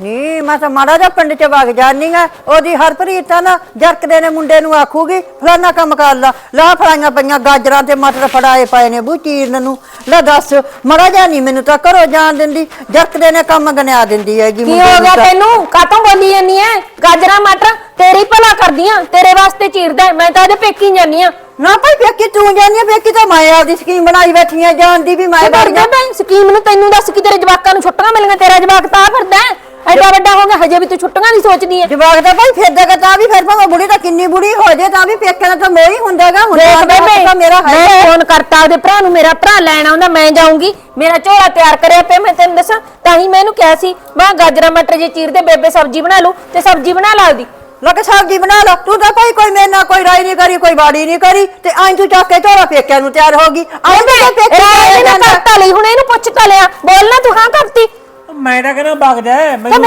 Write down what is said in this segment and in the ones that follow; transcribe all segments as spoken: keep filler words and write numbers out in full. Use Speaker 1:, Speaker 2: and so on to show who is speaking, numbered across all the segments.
Speaker 1: ਨੀ ਮੈਂ ਤਾਂ ਮਾੜਾ ਜਿਹਾ ਪਿੰਡ ਚ ਵਗ ਜਾਨੀ ਆ ਉਹਦੀ ਹਰਪ੍ਰੀਤ ਤਾਂ ਨਾ ਜਰਕਦੇ ਨੇ ਮੁੰਡੇ ਨੂੰ ਆਖੂਗੀ ਫਲਾਨਾ ਕੰਮ ਕਰ ਲਾ ਲਾ ਫਲਾਈਆਂ ਪਈਆਂ ਗਾਜਰਾਂ ਤੇ ਮਟਰ ਫੜਾਏ ਪਏ ਨੇ ਬੂ ਚੀਰਨ ਨੂੰ ਲੈ ਦੱਸ ਮਾੜਾ ਜਿਹਾ ਨਹੀਂ ਮੈਨੂੰ ਤਾਂ ਘਰੋਂ ਜਾਣ ਦਿੰਦੀ ਜਰਕਦੇ ਨੇ ਕੰਮ ਗਨਿਆ ਦਿੰਦੀ ਹੈਗੀ
Speaker 2: ਕੀ ਹੋ ਗਿਆ ਤੈਨੂੰ ਕਾਤੋਂ ਬੋਲੀ ਜਾਂਦੀ ਐ ਗਾਜਰਾਂ ਮਟਰ ਤੇਰੀ ਭਲਾ ਕਰਦੀਆਂ ਤੇਰੇ ਵਾਸਤੇ ਚੀਰਦਾ ਮੈਂ ਤਾਂ ਇਹਦੇ ਪੇਕੀ ਜਾਨੀ ਆ
Speaker 1: ਨਾ ਭਾਈ ਪੇਕੀ ਤੂੰ ਜਾਨੀ ਆ ਪੇਕੀ ਤਾਂ ਮੈਂ ਆਪਦੀ ਸਕੀਮ ਬਣਾਈ ਬੈਠੀ ਆ ਜਾਣ ਦੀ ਵੀ ਮੈਂ ਵਗ ਜਾ
Speaker 2: ਮੈਂ ਸਕੀਮ ਨੂੰ ਤੈਨੂੰ ਦੱਸ ਕਿ ਤੇਰੇ ਜਵਾਕਾਂ ਨੂੰ ਛੁੱਟੀਆਂ ਮਿਲੀਆਂ ਤੇਰਾ ਜਵਾਕ ਤਾਂ ਫਿਰਦਾ ਐਡਾ ਵੱਡਾ ਹੋ ਗਿਆ ਹਜੇ ਵੀ ਤੂੰ ਛੁੱਟੀਆਂ ਨਹੀਂ ਸੋਚਦੀ ਐ
Speaker 1: ਜਵਾਕ ਤਾਂ ਭਾਈ ਫਿਰਦਾ ਤਾਂ ਵੀ ਫਿਰ ਭਾਵੇਂ ਬੁੜੀ ਤਾਂ ਕਿੰਨੀ ਬੁੜੀ ਹੋ ਜੇ ਤਾਂ ਵੀ ਪੇਕੇ ਦਾ ਤਾਂ ਮੋਹ ਹੀ ਹੁੰਦਾਗਾ ਹੁਣ ਤਾਂ ਮੇਰਾ
Speaker 2: ਮੈਂ ਫੋਨ ਕਰਤਾ ਉਹਦੇ ਭਰਾ ਨੂੰ ਮੇਰਾ ਭਰਾ ਲੈਣ ਆਉਂਦਾ ਮੈਂ ਜਾਊਂਗੀ ਮੇਰਾ ਝੋਲਾ ਤਿਆਰ ਕਰਿਆ ਪਿਆ ਮੈਂ ਤੈਨੂੰ ਦੱਸਾਂ ਤਾਂ ਹੀ ਮੈਂ ਇਹਨੂੰ ਕਿਹਾ ਸੀ ਮੈਂ ਗਾਜਰਾਂ ਮਟਰ ਜੇ ਚੀਰਦੇ ਬੇਬੇ ਸਬਜ਼ੀ ਬਣਾ ਲੂ ਤੇ ਸਬਜ਼ੀ ਬਣਾ ਲਾ ਉਹਦੀ
Speaker 1: ਲੱਗ ਸਬਜ਼ੀ ਬਣਾ ਲਾ ਤੂੰ ਤਾਂ ਭਾਈ ਕੋਈ ਮੇਰੇ ਨਾਲ ਕੋਈ ਰਾਈ ਨਹੀਂ ਕਰੀ ਕੋਈ ਬਾੜੀ ਨਹੀਂ ਕਰੀ ਤੇ ਆਂ ਤੂੰ ਚੱਕ ਕੇ ਝੋਲਾ ਪੇਕਿਆਂ ਨੂੰ ਤਿਆਰ ਹੋ ਗਈ ਆਂ ਤੇ ਪੇਕੇ
Speaker 2: ਨੇ ਕਰਤਾ ਲਈ ਹੁਣ ਇਹਨੂੰ ਪੁੱਛ ਤਾ ਲਿਆ ਬੋਲਣਾ ਤੂੰ ਹਾਂ ਕਰਤੀ
Speaker 3: ਮੈਂ ਤਾਂ ਕਹਿੰਦਾ ਵਗ ਜਾ ਮੈਨੂੰ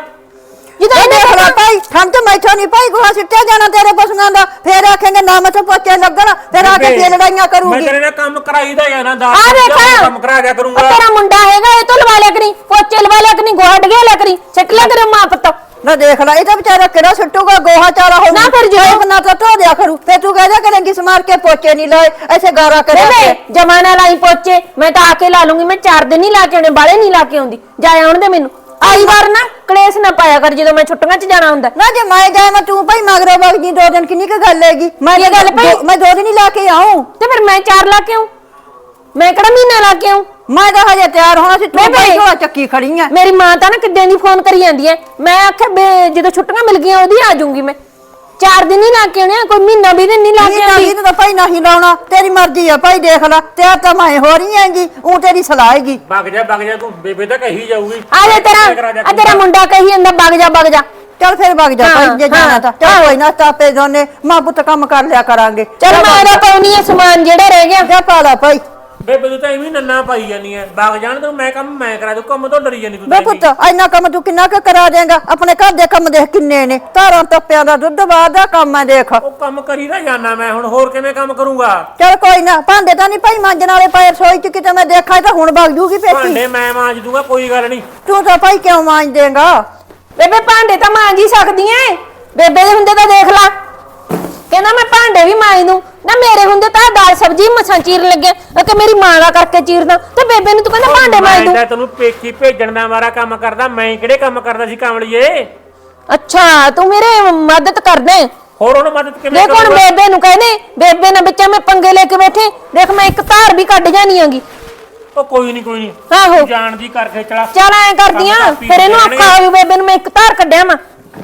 Speaker 1: ਜਦੋਂ ਇਹਨੇ ਖਲਾ ਭਾਈ ਠੰਡ ਚ ਮੈਥੋਂ ਨਹੀਂ ਭਾਈ ਗੁਹਾ ਸਿੱਟਿਆ ਜਾਣਾ ਤੇਰੇ ਪਸ਼ੂਆਂ ਦਾ ਫੇਰ ਆਖੇਂਗੇ ਨਾ ਮੈਥੋਂ ਪੋਚੇ ਲੱਗਣ ਫੇਰ ਆ ਕੇ ਫੇਰ ਲੜਾਈਆਂ ਕਰੂਗੀ
Speaker 3: ਮੈਂ ਤੇਰੇ ਨਾਲ ਕੰਮ ਕਰਾਈਦਾ ਜਾਂ ਨਾ ਦਾ
Speaker 2: ਕੰਮ
Speaker 3: ਕਰਾ ਦਿਆ ਕਰੂੰਗਾ
Speaker 2: ਤੇਰਾ ਮੁੰਡਾ ਹੈਗਾ ਇਹ ਤੋਂ ਲਵਾ ਲਿਆ ਕਰੀ ਪੋਚੇ ਲਵਾ ਲਿਆ ਕਰੀ ਗੋਹਾ ਡਗਿਆ ਲਿਆ ਕਰੀ ਸਿੱਟ ਲਿਆ ਕਰੇ ਮਾਂ ਪੁੱਤ
Speaker 1: ਨਾ ਦੇਖ ਲੈ ਇਹ ਤਾਂ ਵਿਚਾਰਾ ਕਿਹੜਾ ਸੁੱਟੂਗਾ ਗੋਹਾ ਚਾਰਾ ਹੋ
Speaker 2: ਨਾ ਫਿਰ ਜੋ
Speaker 1: ਬਣਾ ਤਾਂ ਧੋ ਦਿਆ ਕਰੂ ਫੇਰ ਤੂੰ ਕਹਿ ਜਾ ਕਰੇਂਗੀ ਸਮਾਰ ਕੇ ਪੋਚੇ ਨਹੀਂ ਲਾਏ ਐਸੇ ਗਾਰਾ ਕਰਿਆ
Speaker 2: ਬੇਬੇ ਜਮਾਨਾ ਲਾਈ ਪੋਚੇ ਮੈਂ ਤਾਂ ਆ ਕੇ ਲਾ ਲੂੰਗੀ ਮੈਂ ਚਾਰ ਦਿਨ ਨਹੀਂ ਲਾ ਕੇ ਆਉਣੇ ਬਾਲੇ ਨਹੀਂ ਲਾ ਕੇ ਆਉਂਦੀ ਜਾ ਆਉਣ ਦੇ ਮੈਨੂੰ ਆਈ ਵਾਰ ਨਾ ਕਲੇਸ਼ ਨਾ ਪਾਇਆ ਕਰ ਜਦੋਂ ਮੈਂ ਛੁੱਟੀਆਂ 'ਚ ਜਾਣਾ ਹੁੰਦਾ
Speaker 1: ਨਾ ਜੇ ਮੈਂ ਜਾਏ ਮੈਂ ਤੂੰ ਭਾਈ ਮਗਰੋਂ ਵਗ ਜੀ ਦੋ ਦਿਨ ਕਿੰਨੀ ਕੁ ਗੱਲ ਹੈਗੀ ਮੈਂ
Speaker 2: ਇਹ ਗੱਲ ਭਾਈ
Speaker 1: ਮੈਂ ਦੋ ਦਿਨ ਹੀ ਲਾ ਕੇ ਆਉਂ
Speaker 2: ਤੇ ਫਿਰ ਮੈਂ ਚਾਰ ਲਾ ਕੇ ਆਉਂ ਮੈਂ ਕਿਹੜਾ ਮਹੀਨਾ ਲਾ ਕੇ ਆਉਂ
Speaker 1: ਮੈਂ ਤਾਂ ਹਜੇ ਤਿਆਰ ਹੋਣਾ ਸੀ ਤੂੰ ਭਾਈ ਝੋਲਾ ਚੱਕੀ ਖੜੀ ਐ
Speaker 2: ਮੇਰੀ ਮਾਂ ਤਾਂ ਨਾ ਕਿੱਦਾਂ ਦੀ ਫੋਨ ਕਰੀ ਜਾਂਦੀ ਐ ਮੈਂ ਆਖਿਆ ਜਦੋਂ ਛੁੱਟੀਆਂ ਮਿਲ ਗਈਆਂ ਉਹਦੀ ਆ ਜਾਊਂਗੀ ਮੈਂ ਚਾਰ ਦਿਨ ਹੀ ਲਾ ਕੇ ਆਉਣੇ ਕੋਈ ਮਹੀਨਾ ਵੀ ਦਿਨ ਨਹੀਂ ਲਾ ਕੇ ਆਉਂਦੀ
Speaker 1: ਨਹੀਂ ਤਾਂ ਭਾਈ ਨਹੀਂ ਲਾਉਣਾ ਤੇਰੀ ਮਰਜ਼ੀ ਆ ਭਾਈ ਦੇਖ ਲੈ ਤੇ ਤਾਂ ਮੈਂ ਹੋ ਰਹੀ ਹੈਗੀ ਉਹ ਤੇਰੀ ਸਲਾਹ ਹੈਗੀ
Speaker 3: ਵਗ ਜਾ ਵਗ ਜਾ ਤੂੰ ਬੇਬੇ ਤਾਂ ਕਹੀ ਜਾਊਗੀ
Speaker 2: ਆ ਜਾ ਤੇਰਾ ਆ ਤੇਰਾ ਮੁੰਡਾ ਕਹੀ ਜਾਂਦਾ ਵਗ ਜਾ ਵਗ ਜਾ
Speaker 1: ਚੱਲ ਫਿਰ ਵਗ ਜਾ ਭਾਈ ਜੇ ਜਾਣਾ ਤਾਂ ਚੱਲ ਕੋਈ ਨਾ ਤਾਪੇ ਦੋਨੇ ਮਾਂ ਪੁੱਤ ਕੰਮ ਕਰ ਲਿਆ ਕਰਾਂਗੇ
Speaker 2: ਚੱਲ ਮੈਂ ਇਹਦਾ ਪਾਉਣੀ ਐ ਸਮਾਨ ਜਿਹੜਾ ਰਹਿ ਗਿਆ
Speaker 1: ਜਾ ਪਾ ਲਾ ਭਾਈ
Speaker 3: ਬੇਬੇ ਤੂੰ ਤਾਂ ਐਵੇਂ ਨੰਨਾ ਪਾਈ ਜਾਨੀ ਐ ਵਗ ਜਾਣ ਤੂੰ ਮੈਂ ਕੰਮ ਮੈਂ ਕਰਾ ਦੂੰ ਕੰਮ ਤੋਂ ਡਰੀ ਜਾਨੀ ਤੂੰ
Speaker 1: ਬੇ ਪੁੱਤ ਇੰਨਾ ਕੰਮ ਤੂੰ ਕਿੰਨਾ ਕੁ ਕਰਾ ਦੇਂਗਾ ਆਪਣੇ ਘਰ ਦੇ ਕੰਮ ਦੇਖ ਕਿੰਨੇ ਨੇ ਧਾਰਾਂ ਤੱਪਿਆਂ ਦਾ ਦੁੱਧ ਬਾਦ ਦਾ ਕੰਮ ਹੈ ਦੇਖ
Speaker 3: ਉਹ ਕੰਮ ਕਰੀ ਨਾ ਜਾਨਾ ਮੈਂ ਹੁਣ ਹੋਰ ਕਿਵੇਂ ਕੰਮ ਕਰੂੰਗਾ
Speaker 1: ਚੱਲ ਕੋਈ ਨਾ ਭਾਂਡੇ ਤਾਂ ਨਹੀਂ ਭਾਈ ਮਾਂਜਣ ਵਾਲੇ ਪਏ ਰਸੋਈ ਚ ਕਿਤੇ ਮੈਂ ਦੇਖਾਂ ਤਾਂ ਹੁਣ ਵਗ ਜੂਗੀ ਪੇਟੀ
Speaker 3: ਭਾਂਡੇ ਮੈਂ ਮਾਂਜ ਦੂੰਗਾ ਕੋਈ ਗੱਲ ਨਹੀਂ
Speaker 1: ਤੂੰ ਤਾਂ ਭਾਈ ਕਿਉਂ ਮਾਂਜ ਦੇਂਗਾ
Speaker 2: ਬੇਬੇ ਭਾਂਡੇ ਤਾਂ ਮਾਂਜ ਹੀ ਸਕਦੀ ਐ ਬੇਬੇ ਦੇ ਹੁੰਦੇ ਤਾਂ ਦੇਖ ਲੈ ਕਹਿੰਦਾ ਮੈਂ ਭਾਂਡੇ ਵੀ ਮਾਂਜ ਦੂੰ ਨਾ ਮੇਰੇ ਹੁੰਦੇ ਤਾਂ ਦਾਲ ਸਬਜ਼ੀ ਮਸਾਂ ਚੀਰਨ ਲੱਗਿਆ ਕਿ ਮੇਰੀ ਮਾਂ ਦਾ ਕਰਕੇ ਚੀਰਦਾ ਤੇ ਬੇਬੇ ਨੂੰ ਤੂੰ ਕਹਿੰਦਾ ਭਾਂਡੇ ਮਾਂਜ ਦੂੰ
Speaker 3: ਮੈਂ ਤੈਨੂੰ ਪੇਕੀ ਭੇਜਣ ਦਾ ਮਾਰਾ ਕੰਮ ਕਰਦਾ ਮੈਂ ਕਿਹੜੇ ਕੰਮ ਕਰਦਾ ਸੀ ਕਾਮਲੀਏ
Speaker 2: ਅੱਛਾ ਤੂੰ ਮੇਰੇ ਮਦਦ ਕਰਦੇ
Speaker 3: ਹੋਰ ਉਹਨੂੰ ਮਦਦ ਕਿਵੇਂ
Speaker 2: ਦੇਖ ਹੁਣ ਬੇਬੇ ਨੂੰ ਕਹਿੰਦੇ ਬੇਬੇ ਨਾਲ ਵਿੱਚ ਮੈਂ ਪੰਗੇ ਲੈ ਕੇ ਬੈਠੇ ਦੇਖ ਮੈਂ ਇੱਕ ਧਾਰ ਵੀ ਕੱਢ ਜਾਣੀ ਆਂਗੀ
Speaker 3: ਉਹ ਕੋਈ ਨਹੀਂ ਕੋਈ ਨਹੀਂ
Speaker 2: ਆਹੋ
Speaker 3: ਜਾਣ ਦੀ ਕਰਕੇ ਚਲਾ
Speaker 2: ਚੱਲ ਐ ਕਰਦੀਆਂ ਫਿਰ ਇਹਨੂੰ ਆਖਾ ਵੀ ਬੇਬੇ ਨੂੰ ਮੈਂ ਇੱਕ ਧਾਰ ਕੱਢਿਆ ਮੈਂ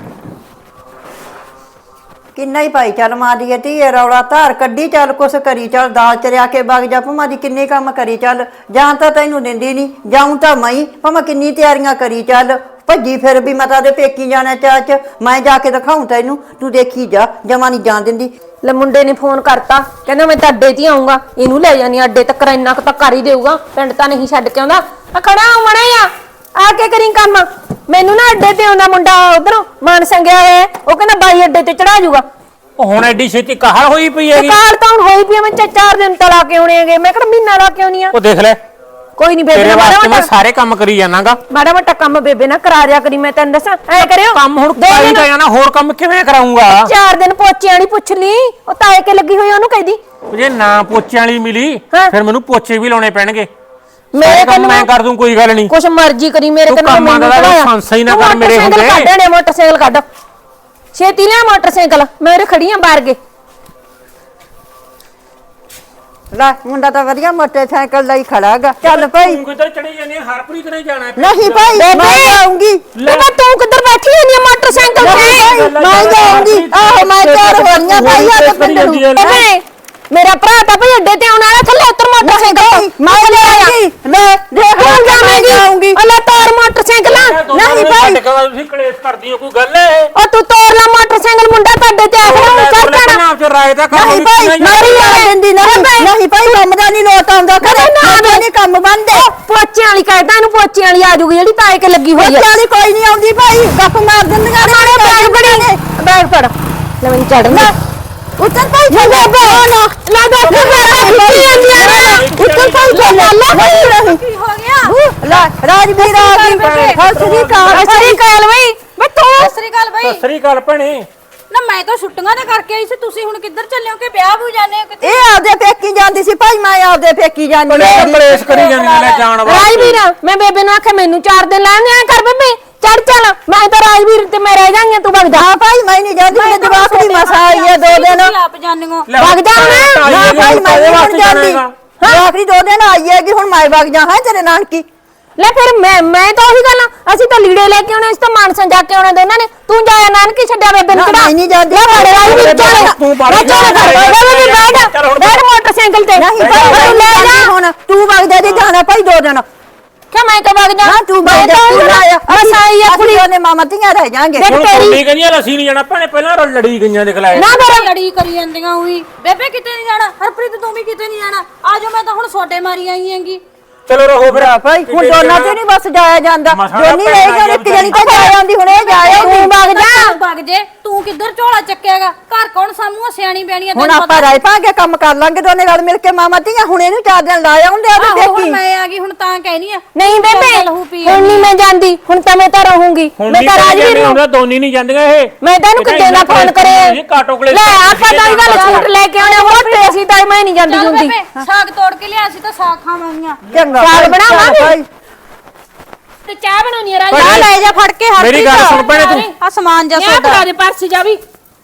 Speaker 1: ਕਿੰਨਾ ਹੀ ਭਾਈ ਚੱਲ ਮਾਰੀਏ ਧੀਏ ਰੌਲਾ ਧਾਰ ਕੱਢੀ ਚੱਲ ਕੁਛ ਕਰੀ ਚੱਲ ਦਾਲ ਚ ਰਿਆ ਕੇ ਵਗ ਜਾ ਭਮਾ ਦੀ ਕਿੰਨੇ ਕੰਮ ਕਰੀ ਚੱਲ ਜਾਂ ਤਾਂ ਤੈਨੂੰ ਦਿੰਦੀ ਨਹੀਂ ਜਾਉਂ ਤਾਂ ਮੈਂ ਭਮਾ ਕਿੰਨੀ ਤਿਆਰੀਆਂ ਕਰੀ ਚੱਲ ਭੱਜੀ ਫਿਰ ਵੀ ਮੈਂ ਤਾਂ ਦੇ ਪੇਕੀ ਜਾਣਾ ਚਾਹ ਚ ਮੈਂ ਜਾ ਕੇ ਦਿਖਾਉਂ ਤੈਨੂੰ ਤੂੰ ਦੇਖੀ ਜਾ ਜਮਾ ਨਹੀਂ ਜਾਣ ਦਿੰਦੀ
Speaker 2: ਲੈ ਮੁੰਡੇ ਨੇ ਫੋਨ ਕਰਤਾ ਕਹਿੰਦਾ ਮੈਂ ਤਾਂ ਅੱਡੇ ਤੇ ਆਉਂਗਾ ਇਹਨੂੰ ਲੈ ਜਾਨੀ ਅੱਡੇ ਤੱਕ ਇੰਨਾ ਕੁ ਤਾਂ ਕਰ ਹੀ ਦੇਊਗਾ ਪਿੰਡ ਤਾਂ ਨਹੀਂ ਛੱਡ ਕੇ ਆਉਂਦਾ ਆ ਖੜਾ ਆਉਣਾ ਆ ਆ ਕੇ ਕਰੀ ਕੰਮ ਮੈਨੂੰ ਨਾ ਅੱਡੇ ਤੇ ਆਉਂਦਾ ਮੁੰਡਾ ਉਧਰੋਂ ਮਾਨ ਸੰਗਿਆ ਹੋਇਆ ਉਹ ਕਹਿੰਦਾ ਬਾਈ ਅੱਡੇ ਤੇ ਚੜਾ ਜਾਊਗਾ
Speaker 3: ਉਹ ਹੁਣ ਐਡੀ ਛੇਤੀ ਕਾਹਲ ਹੋਈ ਪਈ ਹੈਗੀ
Speaker 2: ਕਾਹਲ ਤਾਂ ਹੁਣ ਹੋਈ ਪਈ ਮੈਂ ਚਾਰ ਦਿਨ ਤਾਂ ਲਾ ਕੇ ਆਉਣੇ ਹੈਗੇ ਮੈਂ ਕਿਹੜਾ ਮਹੀਨਾ ਲਾ ਕੇ ਆਉਣੀ ਆ
Speaker 3: ਉਹ ਦੇਖ ਲੈ
Speaker 2: ਕੋਈ ਨਹੀਂ ਬੇਬੇ
Speaker 3: ਤੇਰੇ
Speaker 2: ਮਾੜਾ
Speaker 3: ਵਾਸਤੇ ਮੈਂ
Speaker 2: ਮੋਟਾ
Speaker 3: ਸਾਰੇ ਕੰਮ ਕਰੀ ਜਾਣਾਗਾ
Speaker 2: ਮਾੜਾ ਮੋਟਾ ਕੰਮ ਬੇਬੇ ਨਾ ਕਰਾ ਦਿਆ ਕਰੀ ਮੈਂ ਤੈਨੂੰ ਦੱਸਾਂ ਐ ਕਰਿਓ
Speaker 3: ਕੰਮ ਹੁਣ ਕਰੀ ਤਾਂ ਜਾਣਾ ਹੋਰ ਕੰਮ ਕਿਵੇਂ ਕਰਾਉਂਗਾ
Speaker 2: ਚਾਰ ਦਿਨ ਪੋਚਿਆਂ ਨਹੀਂ ਪੁੱਛ ਲਈ ਉਹ ਤਾਏ ਕੇ ਲੱਗੀ ਹੋਈ ਉਹਨੂੰ ਕਹਿਦੀ
Speaker 3: ਜੇ ਨਾ ਪੋਚਿਆਂ ਵਾਲੀ ਮਿਲੀ ਫਿਰ ਮੈਨੂੰ ਪੋਚੇ ਵੀ ਲਾਉਣੇ ਪੈਣਗੇ
Speaker 2: ਮੇਰੇ ਕੋਲ
Speaker 3: ਮੈਂ ਕਰ ਦੂੰ ਕੋਈ ਗੱਲ ਨਹੀਂ
Speaker 2: ਕੁਛ ਮਰਜ਼ੀ ਕਰੀ ਮੇਰੇ ਕੋਲ
Speaker 3: ਮੈਨੂੰ ਪੜਾਇਆ ਸੰਸਾ ਹੀ ਨਾ ਕਰ ਮੇਰੇ ਹੁੰਦੇ
Speaker 2: ਕੱਢਣੇ ਮੋਟਰਸਾਈਕਲ ਕੱਢ ਛੇਤੀ ਲਿਆ ਮੋਟਰਸਾਈਕਲ ਮੈਂ ਖੜੀ ਆਂ ਬਾਹਰ ਗੇ
Speaker 1: ਲੈ ਮੁੰਡਾ ਤਾਂ ਵਧੀਆ ਮੋਟਰਸਾਈਕਲ ਲਈ ਖੜਾਗਾ ਚੱਲ ਭਾਈ
Speaker 3: ਤੂੰ ਕਿੱਧਰ ਚੜੀ ਜਾਨੀ ਹਰਪ੍ਰੀਤ ਨੇ ਜਾਣਾ
Speaker 1: ਨਹੀਂ ਭਾਈ ਮੈਂ ਜਾਊਂਗੀ
Speaker 2: ਬੇਬੇ ਤੂੰ ਕਿੱਧਰ ਬੈਠੀ ਹੋਈ ਆਂ ਮੋਟਰਸਾਈਕਲ ਤੇ
Speaker 1: ਮੈਂ ਜਾਊਂਗੀ ਆਹੋ ਮੈਂ ਤਿਆਰ ਹੋ ਰਹੀ ਆਂ ਭਾਈ ਆ ਤੇ ਪਿੰਡ ਨੂੰ
Speaker 2: ਬੇਬੇ ਮੇਰਾ ਭਰਾ ਤਾਂ ਭਈ ਅੱਡੇ ਤੇ ਆਉਣ ਵਾਲਾ ਥੱਲੇ ਉਤਰ ਮੋਟਰਸਾਈਕਲ
Speaker 1: ਮੈਂ ਜਾਊਂਗੀ ਲੈ ਦੇਖ
Speaker 2: ਮੈਂ ਜਾਊਂਗੀ ਅੱਲਾ ਤੋਰ ਮੋਟਰਸਾਈਕਲ
Speaker 1: ਨਹੀਂ ਭਾਈ
Speaker 3: ਤੁਸੀਂ ਕਲੇਸ਼ ਕਰਦੀ ਹੋ ਕੋਈ ਗੱਲ ਹੈ
Speaker 2: ਉਹ ਤੂੰ ਤੋਰ ਲੈ ਮੋਟਰਸਾਈਕਲ ਮੁੰਡਾ ਤੁਹਾਡੇ ਤੇ ਆਖਣਾ ਚੜ ਜਾਣਾ
Speaker 3: ਆਪ ਚ ਰਾਏ ਦਾ ਕੰਮ
Speaker 1: ਨਹੀਂ ਭਾਈ ਮਾਰੀ ਆ ਦਿੰਦੀ ਨਹੀਂ ਨਹੀਂ ਭਾਈ ਕੰਮ ਦਾ ਨਹੀਂ ਲੋਟ ਆਉਂਦਾ ਕਰੇ ਨਾ ਨਹੀਂ ਕੰਮ ਬੰਦੇ
Speaker 2: ਪੋਚਿਆਂ ਵਾਲੀ ਕਹਿੰਦਾ ਇਹਨੂੰ ਪੋਚਿਆਂ ਵਾਲੀ ਆ ਜੂਗੀ ਜਿਹੜੀ ਤਾਏ ਕੇ ਲੱਗੀ ਹੋਈ ਹੈ
Speaker 1: ਪੋਚਿਆਂ ਵਾਲੀ ਕੋਈ ਨਹੀਂ ਆਉਂਦੀ ਭਾਈ ਗੱਪ ਮਾਰ ਦਿੰਦੀਆਂ
Speaker 2: ਮਾਰੇ ਬੈਗ ਬੜੀ ਨੇ ਬੈਗ ਫੜ ਲੈ ਮੈਨੂੰ ਚੜਨਾ ਉੱਤਰ ਭਾਈ ਨਾ ਨਾ ਨਾ ਦੇਖ ਉੱਤਰ ਭਾਈ ਚੱਲ ਲੈ ਕੀ ਹੋ ਗਿਆ
Speaker 1: ਲੈ ਰਾਜਵੀਰ ਆ ਗਈ ਹਸਰੀ ਕਾਲ
Speaker 2: ਹਸਰੀ ਕਾਲ
Speaker 4: ਸ੍ਰੀ ਅਕਾਲ ਬਾਈ।
Speaker 3: ਸਤਿ ਸ੍ਰੀ ਅਕਾਲ ਭੈਣੇ।
Speaker 4: ਨਾ ਮੈਂ ਤਾਂ ਛੁੱਟੀਆਂ ਦੇ ਕਰਕੇ ਆਈ ਸੀ, ਤੁਸੀਂ ਹੁਣ ਕਿੱਧਰ ਚੱਲੇ ਹੋ ਕਿ ਵਿਆਹ ਵੀ ਜਾਣੇ ਹੋ ਕਿਤੇ?
Speaker 1: ਇਹ ਆਪਦੇ ਪੇਕੀ ਜਾਂਦੀ ਸੀ ਭਾਈ, ਮੈਂ ਆਪਦੇ ਪੇਕੀ ਜਾਂਦੀ
Speaker 3: ਭੈਣੇ
Speaker 1: ਹੈਗੀ।
Speaker 3: ਕਲੇਸ਼ ਕਰੀ ਜਾਂਦੀ ਨੇ ਜਾਣ ਵਾਸਤੇ।
Speaker 2: ਰਾਜਵੀਰ ਮੈਂ ਬੇਬੇ ਨੂੰ ਆਖਿਆ ਮੈਨੂੰ ਚਾਰ ਦਿਨ ਲੈਣ ਦਿਆ ਕਰ ਬੇਬੇ, ਚੜ ਚੱਲ। ਮੈਂ ਤਾਂ ਰਾਜਵੀਰ ਤੇ ਮੈਂ ਰਹਿ ਜਾਈਆਂ, ਤੂੰ ਵਗ ਜਾ।
Speaker 1: ਹਾਂ ਭਾਈ ਮੈਂ ਨਹੀਂ ਜਾਂਦੀ, ਮੇਰੇ ਜਵਾਕ ਦੀ ਮਸਾ ਆਈ ਹੈ ਦੋ ਦਿਨ।
Speaker 4: ਤੁਸੀਂ ਆਪ ਜਾਣੇ ਹੋ।
Speaker 3: ਲੈ,
Speaker 2: ਵਗ ਜਾ ਨਾ।
Speaker 1: ਨਾ ਭਾਈ ਮੈਂ ਨਹੀਂ ਹੁਣ ਜਾਂਦੀ, ਜਵਾਕ ਦੀ ਦੋ ਦਿਨ ਆਈ ਹੈਗੀ, ਹੁਣ ਮੈਂ ਵਗ ਜਾ ਹਾਂ ਤੇਰੇ ਨਾਨਕੀ।
Speaker 2: ਲੈ ਫਿਰ ਮੈਂ ਮੈਂ ਤਾਂ ਉਹੀ ਗੱਲ ਆ, ਅਸੀਂ ਤਾਂ ਲੀੜੇ ਲੈ ਕੇ ਆਉਣੇ, ਅਸੀਂ ਤਾਂ ਮਾਨਸਾ ਜਾ ਕੇ ਆਉਣਾ ਦੋਨਾਂ ਨੇ। ਤੂੰ ਜਾਇਆ ਨਾਨਕੀ ਛੱਡਿਆ ਬੇਬੇ ਨੂੰ
Speaker 1: ਨਾ,
Speaker 2: ਕਿਹੜਾ?
Speaker 1: ਮੈਂ ਨਹੀਂ ਜਾਂਦੀ।
Speaker 2: ਲੈ ਫੜ ਰਾਜਵੀਰ ਚੱਲ,
Speaker 3: ਤੂੰ ਬਾਹਰ
Speaker 2: ਲੈ ਚੱਲ
Speaker 3: ਜਾ।
Speaker 2: ਕਰ ਬੇਬੇ ਬੈਠ
Speaker 3: ਚੱਲ ਹੁਣ
Speaker 2: ਬੈਠ ਮੋਟਰਸਾਈਕਲ ਤੇ।
Speaker 1: ਨਹੀਂ
Speaker 2: ਤੂੰ
Speaker 1: ਭਾਈ
Speaker 2: ਲੈ
Speaker 1: ਲੈ
Speaker 2: ਜਾ।
Speaker 1: ਹੁਣ ਤੂੰ ਵਗ ਜਾ, ਜੇ ਜਾਣਾ ਭਾਈ ਦੋ ਦਿਨ।
Speaker 2: ਕਿ ਮੈਂ ਤਾਂ ਵਗ ਜਾ।
Speaker 1: ਨਾ ਤੂੰ
Speaker 2: ਮੈਂ
Speaker 1: ਵਗ ਜਾ,
Speaker 2: ਤਾਂ
Speaker 1: ਤੂੰ
Speaker 2: ਉਹੀ
Speaker 1: ਆਇਆ
Speaker 2: ਬਸ ਆਈ ਆ ਕੁੜੀ।
Speaker 1: ਉਹਨੇ ਮਾਮਾ ਧੀਆਂ ਰਹਿ ਜਾਾਂਗੇ।
Speaker 2: ਦੇਖ
Speaker 3: ਹੁਣ
Speaker 2: ਤੇਰੀ
Speaker 3: ਕੁੜੀ ਕਹਿੰਦੀ ਅਸੀਂ ਨਹੀਂ ਜਾਣਾ ਭੈਣੇ, ਪਹਿਲਾਂ ਰਲ ਲੜੀ ਗਈਆਂ ਦੇਖ ਲੈ।
Speaker 2: ਨਾ ਫਿਰ
Speaker 4: ਲੜੀ ਕਰੀ ਜਾਂਦੀਆਂ ਉਹੀ। ਬੇਬੇ ਕਿਤੇ ਨਹੀਂ ਜਾਣਾ, ਹਰਪ੍ਰੀਤ ਤੂੰ ਵੀ ਕਿਤੇ ਨਹੀਂ ਜਾਣਾ। ਆਜੋ ਮੈਂ ਤਾਂ ਹੁਣ ਛੋਟੇ ਮਾਰੀ ਆਈ ਹੈਗੀ।
Speaker 3: ਚਲੋ ਰਹੋ ਫਿਰ
Speaker 1: ਭਾਈ ਹੁਣ ਦੋਨਾਂ ਤੇ ਨਹੀਂ ਬਸ ਜਾਇਆ ਜਾਂਦਾ,
Speaker 3: ਮਸਾਂ
Speaker 1: ਦੋਨੀ
Speaker 3: ਭੈਣਾਂ
Speaker 1: ਰਹੀ ਗਏ, ਇੱਕ ਜਣੀ ਤਾਂ ਜਾ ਆਉਂਦੀ, ਹੁਣ ਇਹ ਜਾਇਆ
Speaker 2: ਤੂੰ ਵਗ ਜਾ।
Speaker 4: ਤੂੰ ਵਗ ਜੇ, ਤੂੰ ਕਿੱਧਰ ਝੋਲਾ ਚੱਕਿਆਗਾ? ਘਰ ਕੌਣ ਸਾਮੂ ਸਿਆਣੀ ਬੈਣੀ
Speaker 1: ਹੁਣ ਆਪਾਂ ਰਾਏ ਪਾਂਗੇ, ਕੰਮ ਕਰ ਲਾਂਗੇ ਦੋਨੇ ਨਾਲ ਮਿਲ ਕੇ ਮਾਮਾ ਧੀਆਂ। ਹੁਣ ਇਹਨੂੰ ਚਾਰ ਦਿਨ ਲਾ ਆਉਂਦੇ ਆ ਤੇ
Speaker 4: ਹੁਣ
Speaker 1: ਦੇਖੀ।
Speaker 4: ਮੈਂ ਆ ਗਈ, ਹੁਣ ਤਾਂ ਕਹਿਨੀ ਆ
Speaker 2: ਨਹੀਂ ਬੇਬੇ
Speaker 4: ਲਹੂ ਪੀ
Speaker 2: ਹੁਣ ਨਹੀਂ ਮੈਂ ਜਾਂਦੀ, ਹੁਣ ਤਾਂ ਮੈਂ ਤਾਂ ਰਹੂੰਗੀ।
Speaker 3: ਹੁਣ
Speaker 2: ਮੈਂ
Speaker 3: ਨਹੀਂ
Speaker 2: ਤਾਂ ਰਾਜਵੀਰ
Speaker 3: ਰਾਜਵੀਰ
Speaker 2: ਨੂੰ
Speaker 3: ਹੁੰਦਾ, ਦੋਨੀ ਨਹੀਂ ਜਾਂਦੀਆਂ ਇਹ।
Speaker 2: ਮੈਂ ਤਾਂ ਇਹਨੂੰ
Speaker 3: ਇਹ ਤਾਂ
Speaker 2: ਕਿਤੇ ਨਾ
Speaker 3: ਇੰਨਾ
Speaker 2: ਫੋਨ
Speaker 3: ਕਲੇਸ਼
Speaker 2: ਕਰੇ।
Speaker 3: ਜੀ, ਕਾਟੋ ਕਲੇਸ਼
Speaker 2: ਲੈ ਆਪਾਂ ਤਾਂ ਇਹ ਗੱਲ ਛੂਟ ਲੈ ਕੇ ਆਉਣੇ ਹੋਰ ਤੇ ਅਸੀਂ ਤਾਂ ਮੈਂ ਨਹੀਂ ਜਾਂਦੀ
Speaker 4: ਚੱਲ
Speaker 2: ਜੁੰਦੀ।
Speaker 4: ਬੇਬੇ ਸਾਗ ਤੋੜ ਕੇ ਲਿਆ ਸੀ ਤਾਂ ਸਾਗ ਖਾਵਾਂਗੀਆਂ।
Speaker 1: ਚੰਗਾ
Speaker 2: ਸਾਗ
Speaker 1: ਭਾਈ,
Speaker 2: ਬਣਾਵਾਂਗੇ।
Speaker 1: ਭਾਈ।
Speaker 4: ਤੇ ਚਾਹ ਬਣਾਉਣੀ ਆ ਰਾਜ।
Speaker 3: ਭਾਈ,
Speaker 4: ਚਾਹ ਲੈ ਜਾ ਫੜ ਕੇ ਹਰ
Speaker 3: ਮੇਰੀ ਗੱਲ ਸੁਣ ਭੈਣੇ ਤੂੰ।
Speaker 4: ਆ ਸਮਾਨ ਜਾ
Speaker 2: ਇਹ
Speaker 4: ਸੋਡਾ
Speaker 2: ਫੜਾ ਦੇ ਪਰਸ ਜਾ ਵੀ।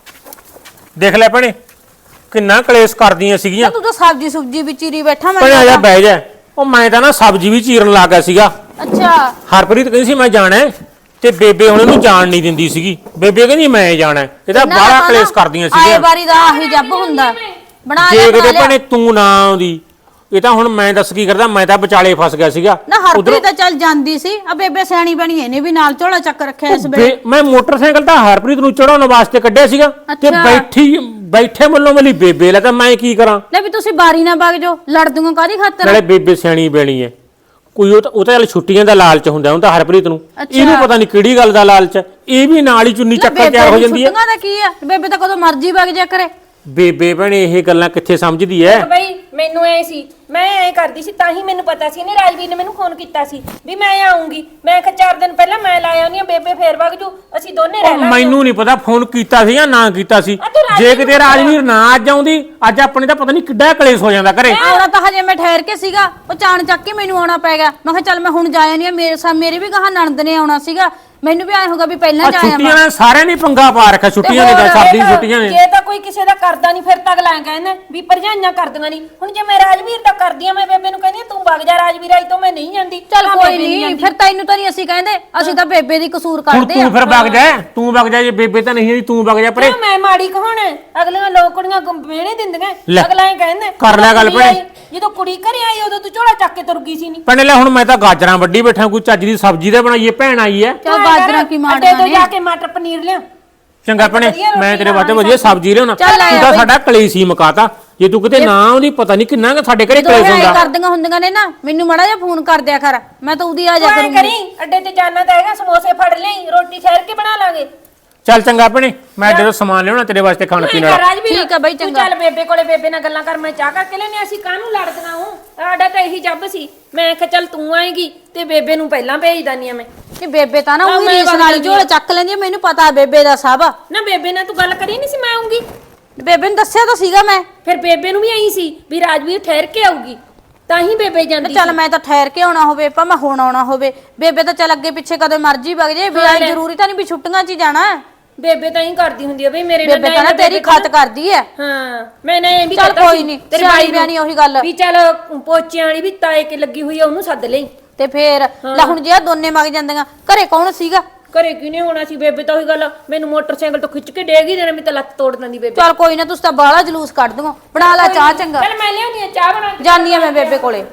Speaker 3: ਦੇਖ ਲੈ ਭੈਣੇ ਕਿੰਨਾ ਕਲੇਸ਼ ਕਰਦੀਆਂ ਸੀਗੀਆਂ।
Speaker 4: ਤੂੰ ਤਾਂ ਸਬਜੀ ਸੁਬਜੀ ਵਿੱਚ ਚੀਰੀ ਬੈਠਾ ਮੈਂ
Speaker 3: ਭੈਣੇ ਆ ਜਾ ਬਹਿ ਜਾ। ਉਹ ਮੈਂ ਤਾਂ ਨਾ ਸਬਜ਼ੀ ਵੀ ਚੀਰਨ ਲੱਗ ਗਿਆ ਸੀਗਾ।
Speaker 4: ਅੱਛਾ
Speaker 3: ਹਰਪ੍ਰੀਤ ਕਹਿੰਦੀ ਸੀ ਮੈਂ ਜਾਣਾ ਹੈ, ਤੇ ਬੇਬੇ ਹੁਣ ਇਹਨੂੰ ਜਾਣ ਨਹੀਂ ਦਿੰਦੀ ਸੀਗੀ। ਬੇਬੇ ਕਹਿੰਦੀ ਮੈਂ ਜਾਣਾ ਹੈ। ਇਹਦਾ ਬਾਹਲਾ ਕਲੇਸ਼ ਕਰਦੀਆਂ
Speaker 4: ਆਏ
Speaker 3: ਸੀਗੀਆਂ।
Speaker 4: ਵਾਰੀ ਦਾ ਆਹੀ ਜੱਬ ਹੁੰਦਾ। ਬਣਾ
Speaker 3: ਜੇ
Speaker 4: ਲੈ ਬਣਾ
Speaker 3: ਕਿਤੇ
Speaker 4: ਲਿਆ।
Speaker 3: ਭੈਣੇ ਤੂੰ ਨਾ ਆਉਂਦੀ, ਇਹ ਤਾਂ ਹੁਣ ਮੈਂ ਦੱਸ ਕੀ ਕਰਦਾ, ਮੈਂ ਤਾਂ ਵਿਚਾਲੇ ਫਸ ਗਿਆ ਸੀਗਾ।
Speaker 4: ਨਾ
Speaker 3: ਉੱਧਰੋਂ-
Speaker 4: ਹਰਪ੍ਰੀਤ ਤਾਂ ਚੱਲ ਜਾਂਦੀ ਸੀ, ਆ ਬੇਬੇ ਸਿਆਣੀ ਬਣੀ ਇਹਨੇ ਵੀ ਨਾਲ ਝੋਲਾ ਚੱਕ ਰੱਖਿਆ ਇਸ ਵੇਲੇ।
Speaker 3: ਬੇ- ਮੈਂ ਮੋਟਰਸਾਈਕਲ ਤਾਂ ਹਰਪ੍ਰੀਤ ਨੂੰ ਚੜਾਉਣ ਵਾਸਤੇ ਕੱਢਿਆ ਸੀਗਾ, ਤੇ
Speaker 4: ਅੱਛਾ।
Speaker 3: ਬੈਠੀ ਬੈਠੇ ਮੱਲੋਂ ਮਲੀ ਬੇਬੇ ਲੈ, ਤਾਂ ਮੈਂ ਕੀ ਕਰਾਂ?
Speaker 4: ਲੈ ਵੀ ਤੁਸੀਂ ਬਾਰੀ ਨਾ ਵਗ ਜਾਓ, ਲੜ ਦੂੰਗਾ ਕਾਦੀ ਖਾਤਰ?
Speaker 3: ਨਾਲੇ ਬੇਬੇ ਸਿਆਣੀ ਬੈਣੀ ਹੈ ਕੋਈ, ਉਹ ਤਾਂ ਉਹ ਤਾਂ ਚੱਲ ਛੁੱਟੀਆਂ ਦਾ ਲਾਲਚ ਹੁੰਦਾ, ਉਹ ਤਾਂ ਹਰਪ੍ਰੀਤ ਨੂੰ।
Speaker 4: ਅੱਛਾ।
Speaker 3: ਇਹਨੂੰ ਪਤਾ ਨਹੀਂ ਕਿਹੜੀ ਗੱਲ ਦਾ ਲਾਲਚ ਹੈ, ਇਹ ਵੀ ਨਾਲ ਹੀ ਚੁੰਨੀ
Speaker 4: ਲੈ
Speaker 3: ਚੱਕ ਕੇ ਤਿਆਰ ਹੋ
Speaker 4: ਬੇਬੇ
Speaker 3: ਜਾਂਦੀ ਹੈ।
Speaker 4: ਛੁੱਟੀਆਂ ਦਾ ਕੀ ਆ? ਬੇਬੇ ਤਾਂ ਕਦੋਂ ਮਰਜ਼ੀ ਵਗ ਜਾ ਕਰੇ।
Speaker 3: ਬੇਬੇ ਭੈਣੇ ਇਹ ਗੱਲਾਂ ਕਿੱਥੇ ਸਮਝਦੀ ਐ?
Speaker 2: ਬਈ ਮੈਨੂੰ ਐ ਸੀ, ਮੈਂ ਐ ਕਰਦੀ ਸੀ, ਤਾਂ ਹੀ ਮੈਨੂੰ ਪਤਾ ਸੀ ਇਹਨੇ ਰਾਜਵੀਰ ਨੇ ਮੈਨੂੰ ਫੋਨ ਕੀਤਾ ਸੀ ਵੀ ਮੈਂ ਆਉਂਗੀ। ਮੈਂ ਕਿਹਾ ਚਾਰ ਦਿਨ ਪਹਿਲਾਂ ਮੈਂ ਲਾਇਆ ਉਹਨੀਆਂ ਬੇਬੇ ਫੇਰ ਵਗ ਜੂ, ਅਸੀਂ ਦੋਨੇ ਰਹਿ
Speaker 3: ਉਹ
Speaker 2: ਲਾਂਗੇ।
Speaker 3: ਮੈਨੂੰ ਨਹੀਂ ਪਤਾ ਫੋਨ ਕੀਤਾ ਸੀ ਜਾਂ ਨਾ ਕੀਤਾ ਸੀ।
Speaker 2: ਆ ਤੂੰ ਰਾਜਵੀਰ
Speaker 3: ਜੇ ਕਿਤੇ ਰਾਜਵੀਰ ਨਾ ਅੱਜ ਆਉਂਦੀ, ਅੱਜ ਆਪਣੇ ਤਾਂ ਪਤਾ ਨਹੀਂ ਕਿੱਡਾ ਕਲੇਸ਼ ਹੋ ਜਾਂਦਾ ਘਰੇ।
Speaker 4: ਆਉਣਾ ਤਾਂ ਹਜੇ ਮੈਂ ਠਹਿਰ ਕੇ ਸੀਗਾ, ਉਹ ਚਾਣ ਚੱਕ ਕੇ ਮੈਨੂੰ ਆਉਣਾ ਪੈ ਗਿਆ। ਮੈਂ ਕਿਹਾ ਚੱਲ ਮੈਂ ਹੁਣ ਜਾਇਆ ਨਹੀਂ, ਮੇਰੇ ਸਾ ਮੇਰੇ ਵੀ ਗਾਹਾਂ ਨਣਦ ਨੇ ਆਉਣਾ ਸੀਗਾ, ਮੈਨੂੰ ਵੀ ਆਏ ਹੋਗਾ ਵੀ ਪਹਿਲਾਂ
Speaker 3: ਆ
Speaker 4: ਜਾਇਆ
Speaker 3: ਛੁੱਟੀਆਂ ਨੇ ਸਾਰਿਆਂ ਨੇ ਪੰਗਾ ਪਾ ਰੱਖਿਆ, ਛੁੱਟੀਆਂ ਨੇ ਤਾਂ ਸਰਦੀ ਦੀਆਂ ਛੁੱਟੀਆਂ ਨੇ।
Speaker 2: ਜੇ ਤਾਂ ਕੋਈ ਕਿਸੇ ਦਾ ਕਰਦਾ ਨਹੀਂ ਫਿਰ ਤਾਂ ਅਗਲਾ ਕਹਿੰਦਾ ਵੀ ਭਰਜਾਈਆਂ ਕਰਦੀਆਂ ਨਹੀਂ। ਹੁਣ ਜੇ ਮੈਂ ਰਾਜਵੀਰ ਦਾ ਕਰਦੀ ਆ, ਮੈਂ ਬੇਬੇ ਨੂੰ ਕਹਿੰਦੀ ਆ, ਤੂੰ ਵਗ ਜਾ ਰਾਜਵੀਰ, ਆਈ ਤੋਂ ਮੈਂ ਨਹੀਂ ਜਾਂਦੀ।
Speaker 4: ਚੱਲ
Speaker 2: ਤਾਂ
Speaker 4: ਕੋਈ
Speaker 2: ਬੇਬੇ
Speaker 4: ਨਹੀਂ,
Speaker 2: ਜਾਂਦੀ।
Speaker 4: ਫਿਰ ਤੈਨੂੰ ਤਾਂ ਨਹੀਂ ਅਸੀਂ ਕਹਿੰਦੇ, ਅਸੀਂ ਤਾਂ ਬੇਬੇ ਦੀ ਕਸੂਰ
Speaker 3: ਹੁਣ
Speaker 4: ਕਰਦੇ ਆ।
Speaker 3: ਤੂੰ ਫਿਰ ਵਗ ਜਾ, ਤੂੰ ਵਗ ਜਾ, ਜੇ ਬੇਬੇ ਤਾਂ ਨਹੀਂ ਆਈ ਤੂੰ ਵਗ ਜਾ ਪਰੇ।
Speaker 2: ਕਿਉਂ ਮੈਂ ਮਾੜੀ ਕਹਾਉਣਾ? ਅਗਲੀਆਂ ਲੋਕ ਕੁੜੀਆਂ ਮਿਹਣੇ ਦਿੰਦੀਆਂ,
Speaker 3: ਲੈ,
Speaker 2: ਅਗਲਾ ਇਹ ਕਹਿੰਦਾ
Speaker 3: ਕਰ ਲਿਆ ਗੱਲ
Speaker 2: ਕੁੜੀ
Speaker 3: ਭੈਣੇ।
Speaker 2: ਆਈ, ਜਦੋਂ ਕੁੜੀ ਘਰੇ ਆਈ ਉਦੋਂ ਤੂੰ ਝੋਲਾ ਚੱਕ ਕੇ ਤੁਰ ਗਈ ਸੀ ਨਹੀਂ।
Speaker 3: ਭੈਣੇ ਲੈ ਹੁਣ ਮੈਂ ਤਾਂ ਗਾਜਰਾਂ ਵੱਢੀ ਬੈਠਾ, ਕੋਈ ਚੱਜ ਦੀ ਸਬਜ਼ੀ ਤਾਂ ਬਣਾਈਏ, ਭੈਣ ਆਈ ਐ।
Speaker 4: ਚੱਲ ਬਾਜਰਾ ਕੀ
Speaker 2: ਅੱਡੇ
Speaker 4: ਮਾਰਦਾ
Speaker 2: ਤੋਂ
Speaker 4: ਨੇ।
Speaker 2: ਜਾ ਕੇ ਮਟਰ ਪਨੀਰ ਲਿਆ।
Speaker 3: ਚੰਗਾ ਭੈਣੇ,
Speaker 2: ਵਧੀਆ ਰੋਟੀ
Speaker 3: ਮੈਂ ਤੇਰੇ ਵਾਸਤੇ
Speaker 2: ਬਣਾਉਣੀ
Speaker 3: ਵਧੀਆ ਸਬਜ਼ੀ ਲਿਆਉਣਾ।
Speaker 4: ਚੱਲ ਆਇਆ
Speaker 3: ਤੂੰ ਤਾਂ
Speaker 4: ਬਈ।
Speaker 3: ਸਾਡਾ ਕਲੇਸ਼ ਹੀ ਮੁਕਾਤਾ। ਜੇ ਤੂੰ ਕਿਤੇ ਨਾ ਆਉਂਦੀ, ਪਤਾ ਨਹੀਂ ਕਿੰਨਾ ਕੁ ਸਾਡੇ ਘਰੇ
Speaker 4: ਜਦੋਂ
Speaker 3: ਕਲੇਸ਼
Speaker 4: ਇਹ
Speaker 3: ਹੁੰਦਾ।
Speaker 4: ਕਰਦੀਆਂ ਹੁੰਦੀਆਂ ਨੇ ਨਾ, ਮੈਨੂੰ ਮਾੜਾ ਜਿਹਾ ਫੋਨ ਕਰ ਦਿਆ ਕਰ, ਮੈਂ ਤਾਂ ਉਹਦੀ ਆ ਜਾ
Speaker 2: ਤੂੰ ਐਂ
Speaker 4: ਕਰੂੰਗੀ।
Speaker 2: ਕਰੀ, ਅੱਡੇ ਤੇ ਜਾਣਾ ਤਾਂ ਹੈਗਾ, ਸਮੋਸੇ ਫੜ ਲਈ, ਰੋਟੀ ਠਹਿਰ ਕੇ ਬਣਾ ਲਾਂਗੇ।
Speaker 3: ਚੱਲ ਚੰਗਾ ਭੈਣੇ, ਮੈਂ ਜਦੋਂ ਸਮਾਨ ਲਿਆਉਣਾ ਤੇਰੇ ਵਾਸਤੇ ਖਾਣ ਪੀਣ ਵਾਲਾ।
Speaker 2: ਰਾਜਵੀਰ,
Speaker 4: ਠੀਕ ਆ ਬਈ,
Speaker 2: ਤੂੰ
Speaker 4: ਚੰਗਾ।
Speaker 2: ਚੱਲ ਬੇਬੇ ਕੋਲੇ, ਬੇਬੇ ਨਾਲ ਗੱਲਾਂ ਕਰ, ਮੈਂ ਚਾਹ ਕਰਕੇ ਲੈਣੀ। ਅਸੀਂ ਕਾਹਨੂੰ ਲੜਦੀਆਂ ਹੂੰ, ਸਾਡਾ ਤਾਂ ਇਹੀ ਜੱਬ ਸੀ। ਮੈਂ ਕਿਹਾ ਚੱਲ ਤੂੰ ਆਏਗੀ ਤੇ ਬੇਬੇ ਨੂੰ ਪਹਿਲਾਂ ਭੇਜ ਦਾਨੀ ਆ ਮੈਂ।
Speaker 4: ਕਿ ਬੇਬੇ ਤਾਂ ਨਾ
Speaker 2: ਹਾਂ,
Speaker 4: ਉਹੀ
Speaker 2: ਮੈਂ
Speaker 4: ਰੀਸ
Speaker 2: ਵਗ
Speaker 4: ਨਾਲ
Speaker 2: ਜਾਂਦੀ
Speaker 4: ਝੋਲਾ ਚੱਕ ਲੈਂਦੀ ਆ, ਮੈਨੂੰ ਪਤਾ ਬੇਬੇ ਦਾ ਸਭ।
Speaker 2: ਨਾ ਬੇਬੇ ਨਾਲ ਤੂੰ ਗੱਲ ਕਰੀ ਨਹੀਂ ਸੀ ਮੈਂ ਆਉਂਗੀ?
Speaker 4: ਬੇਬੇ ਨੂੰ ਦੱਸਿਆ ਤਾਂ ਸੀਗਾ ਮੈਂ।
Speaker 2: ਫਿਰ ਬੇਬੇ ਨੂੰ ਵੀ ਆਈ ਸੀ ਵੀ ਰਾਜਵੀਰ ਠਹਿਰ ਕੇ ਆਊਗੀ, ਤਾਂ ਹੀ ਬੇਬੇ ਜਾਂਦੀ
Speaker 4: ਚੱਲ
Speaker 2: ਸੀ।
Speaker 4: ਮੈਂ ਤਾਂ ਠਹਿਰ ਕੇ ਆਉਣਾ ਹੋਵੇ, ਭਾਵੇਂ ਹੁਣ ਆਉਣਾ ਹੋਵੇ, ਬੇਬੇ ਤਾਂ ਚੱਲ ਅੱਗੇ ਪਿੱਛੇ ਕਦੇ ਮਰਜ਼ੀ ਵਗ ਜੇ, ਵੀ
Speaker 2: ਹਾਂ
Speaker 4: ਆਈ
Speaker 2: ਲੈ।
Speaker 4: ਜ਼ਰੂਰੀ ਤਾਂ ਨਹੀਂ ਵੀ ਛੁੱਟੀਆਂ 'ਚ ਹੀ ਜਾਣਾ।
Speaker 2: ਬੇਬੇ ਤਾਂ ਹੀ ਕਰਦੀ ਹੁੰਦੀ ਆ ਬਈ ਮੇਰੇ ਨਾਲ।
Speaker 4: ਬੇਬੇ ਤਾਂ ਨਾ ਤੇਰੀ ਖਤ ਕਰਦੀ ਐ।
Speaker 2: ਹਾਂ ਮੈਂ ਨਾ ਇਹ ਵੀ
Speaker 4: ਚੱਲ
Speaker 2: ਕਹਤਾ
Speaker 4: ਕੋਈ
Speaker 2: ਸੀ
Speaker 4: ਨੀ,
Speaker 2: ਤੇਰੇ
Speaker 4: ਸਿਆਣੀ
Speaker 2: ਬਾਈ ਨੂੰ
Speaker 4: ਬਿਆਨੀ ਉਹੀ ਗੱਲ।
Speaker 2: ਵੀ ਚੱਲ ਪੋਚਿਆਂ ਵਾਲੀ ਵੀ ਤਾਏ ਕੇ ਲੱਗੀ ਹੋਈ ਆ, ਉਹਨੂੰ ਸੱਦ ਲਈ।
Speaker 4: ਤੇ ਫੇਰ ਲੈ ਹੁਣ ਜੇ ਆਹ ਦੋਨੇ ਮਗ ਜਾਂਦੀਆਂ, ਘਰੇ ਕੌਣ ਸੀਗਾ?
Speaker 2: ਘਰੇ ਕਿਉਂ ਨਹੀਂ ਹੋਣਾ ਸੀ? ਬੇਬੇ ਤਾਂ ਉਹੀ ਗੱਲ, ਮੈਨੂੰ ਮੋਟਰਸਾਈਕਲ ਤੋਂ ਖਿੱਚ ਕੇ ਡੇਗ ਹੀ ਦੇਣਾ, ਮੈਂ ਤਾਂ ਲੱਤ ਤੋੜ ਦਿੰਦੀ ਬੇਬੇ।
Speaker 4: ਚੱਲ ਕੋਈ ਨਾ, ਤੁਸੀਂ ਤਾਂ ਬਾਹਲਾ ਜਲੂਸ ਕੱਢ ਦਿਓ। ਬਣਾ ਲੈ ਚਾਹ ਚੰਗਾ,
Speaker 2: ਚੱਲ ਮੈਂ ਲਿਆਉਣੀ ਆ ਚਾਹ ਬਣਾ ਕੇ।
Speaker 4: ਜਾਨੀ ਆ ਮੈਂ ਬੇਬੇ ਕੋਲੇ।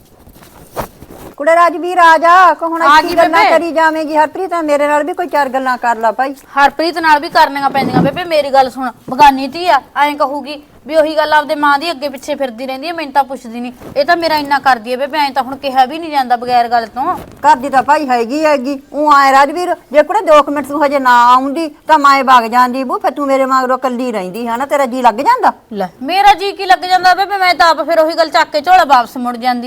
Speaker 1: ਕੁੜੇ ਰਾਜਵੀਰ ਆ ਜਾ, ਕੋ ਹੁਣ
Speaker 4: ਆ
Speaker 1: ਕੀ
Speaker 4: ਗਈ
Speaker 1: ਗੱਲਾਂ
Speaker 4: ਬੇਬੇ।
Speaker 1: ਕਰੀ ਜਾਵੇਂਗੀ ਹਰਪ੍ਰੀਤ? ਮੇਰੇ ਨਾਲ ਵੀ ਕੋਈ ਚਾਰ ਗੱਲਾਂ ਕਰ ਲਾ ਭਾਈ।
Speaker 4: ਹਰਪ੍ਰੀਤ ਨਾਲ ਵੀ ਕਰਨੀਆਂ ਪੈਂਦੀਆਂ ਬੇਬੇ, ਮੇਰੀ ਗੱਲ ਸੁਣ। ਬਗਾਨੀ ਧੀ ਆ, ਐਂ ਕਹੂਗੀ ਵੀ ਉਹੀ ਗੱਲ ਆਪਦੇ ਮਾਂ ਦੀ ਅੱਗੇ ਪਿੱਛੇ ਫਿਰਦੀ ਰਹਿੰਦੀ ਹੈ, ਮੈਨੂੰ ਤਾਂ ਪੁੱਛਦੀ ਨਹੀਂ। ਇਹ ਤਾਂ ਮੇਰਾ ਇੰਨਾ ਕਰਦੀ ਹੈ ਬੇਬੇ, ਐਂ ਤਾਂ ਹੁਣ ਕਿਹਾ ਵੀ ਨਹੀਂ ਜਾਂਦਾ ਬਗੈਰ ਗੱਲ ਤੋਂ।
Speaker 1: ਕਰਦੀ ਤਾਂ ਭਾਈ ਹੈਗੀ ਹੈਗੀ। ਉਹ ਆਏ ਰਾਜਵੀਰ, ਜੇ ਕੁੜੇ ਦੋ ਕੁ ਮਿੰਟ ਤੂੰ ਹਜੇ ਨਾ ਆਉਂਦੀ ਤਾਂ ਮੈਂ ਵਗ ਜਾਂਦੀ। ਬੂ ਫਿਰ ਤੂੰ ਮੇਰੇ ਮਗਰੋਂ ਕੱਲੀ ਰਹਿੰਦੀ ਹੈ ਨਾ, ਤੇਰਾ ਜੀ ਲੱਗ ਜਾਂਦਾ।
Speaker 4: ਲੈ ਮੇਰਾ ਜੀ ਕੀ ਲੱਗ ਜਾਂਦਾ ਬੇਬੇ, ਮੈਂ ਤਾਂ ਆਪ ਫਿਰ ਉਹੀ ਗੱਲ ਚੱਕ ਕੇ ਝੋਲਾ ਵਾਪਸ ਮੁੜ ਜਾਂਦੀ।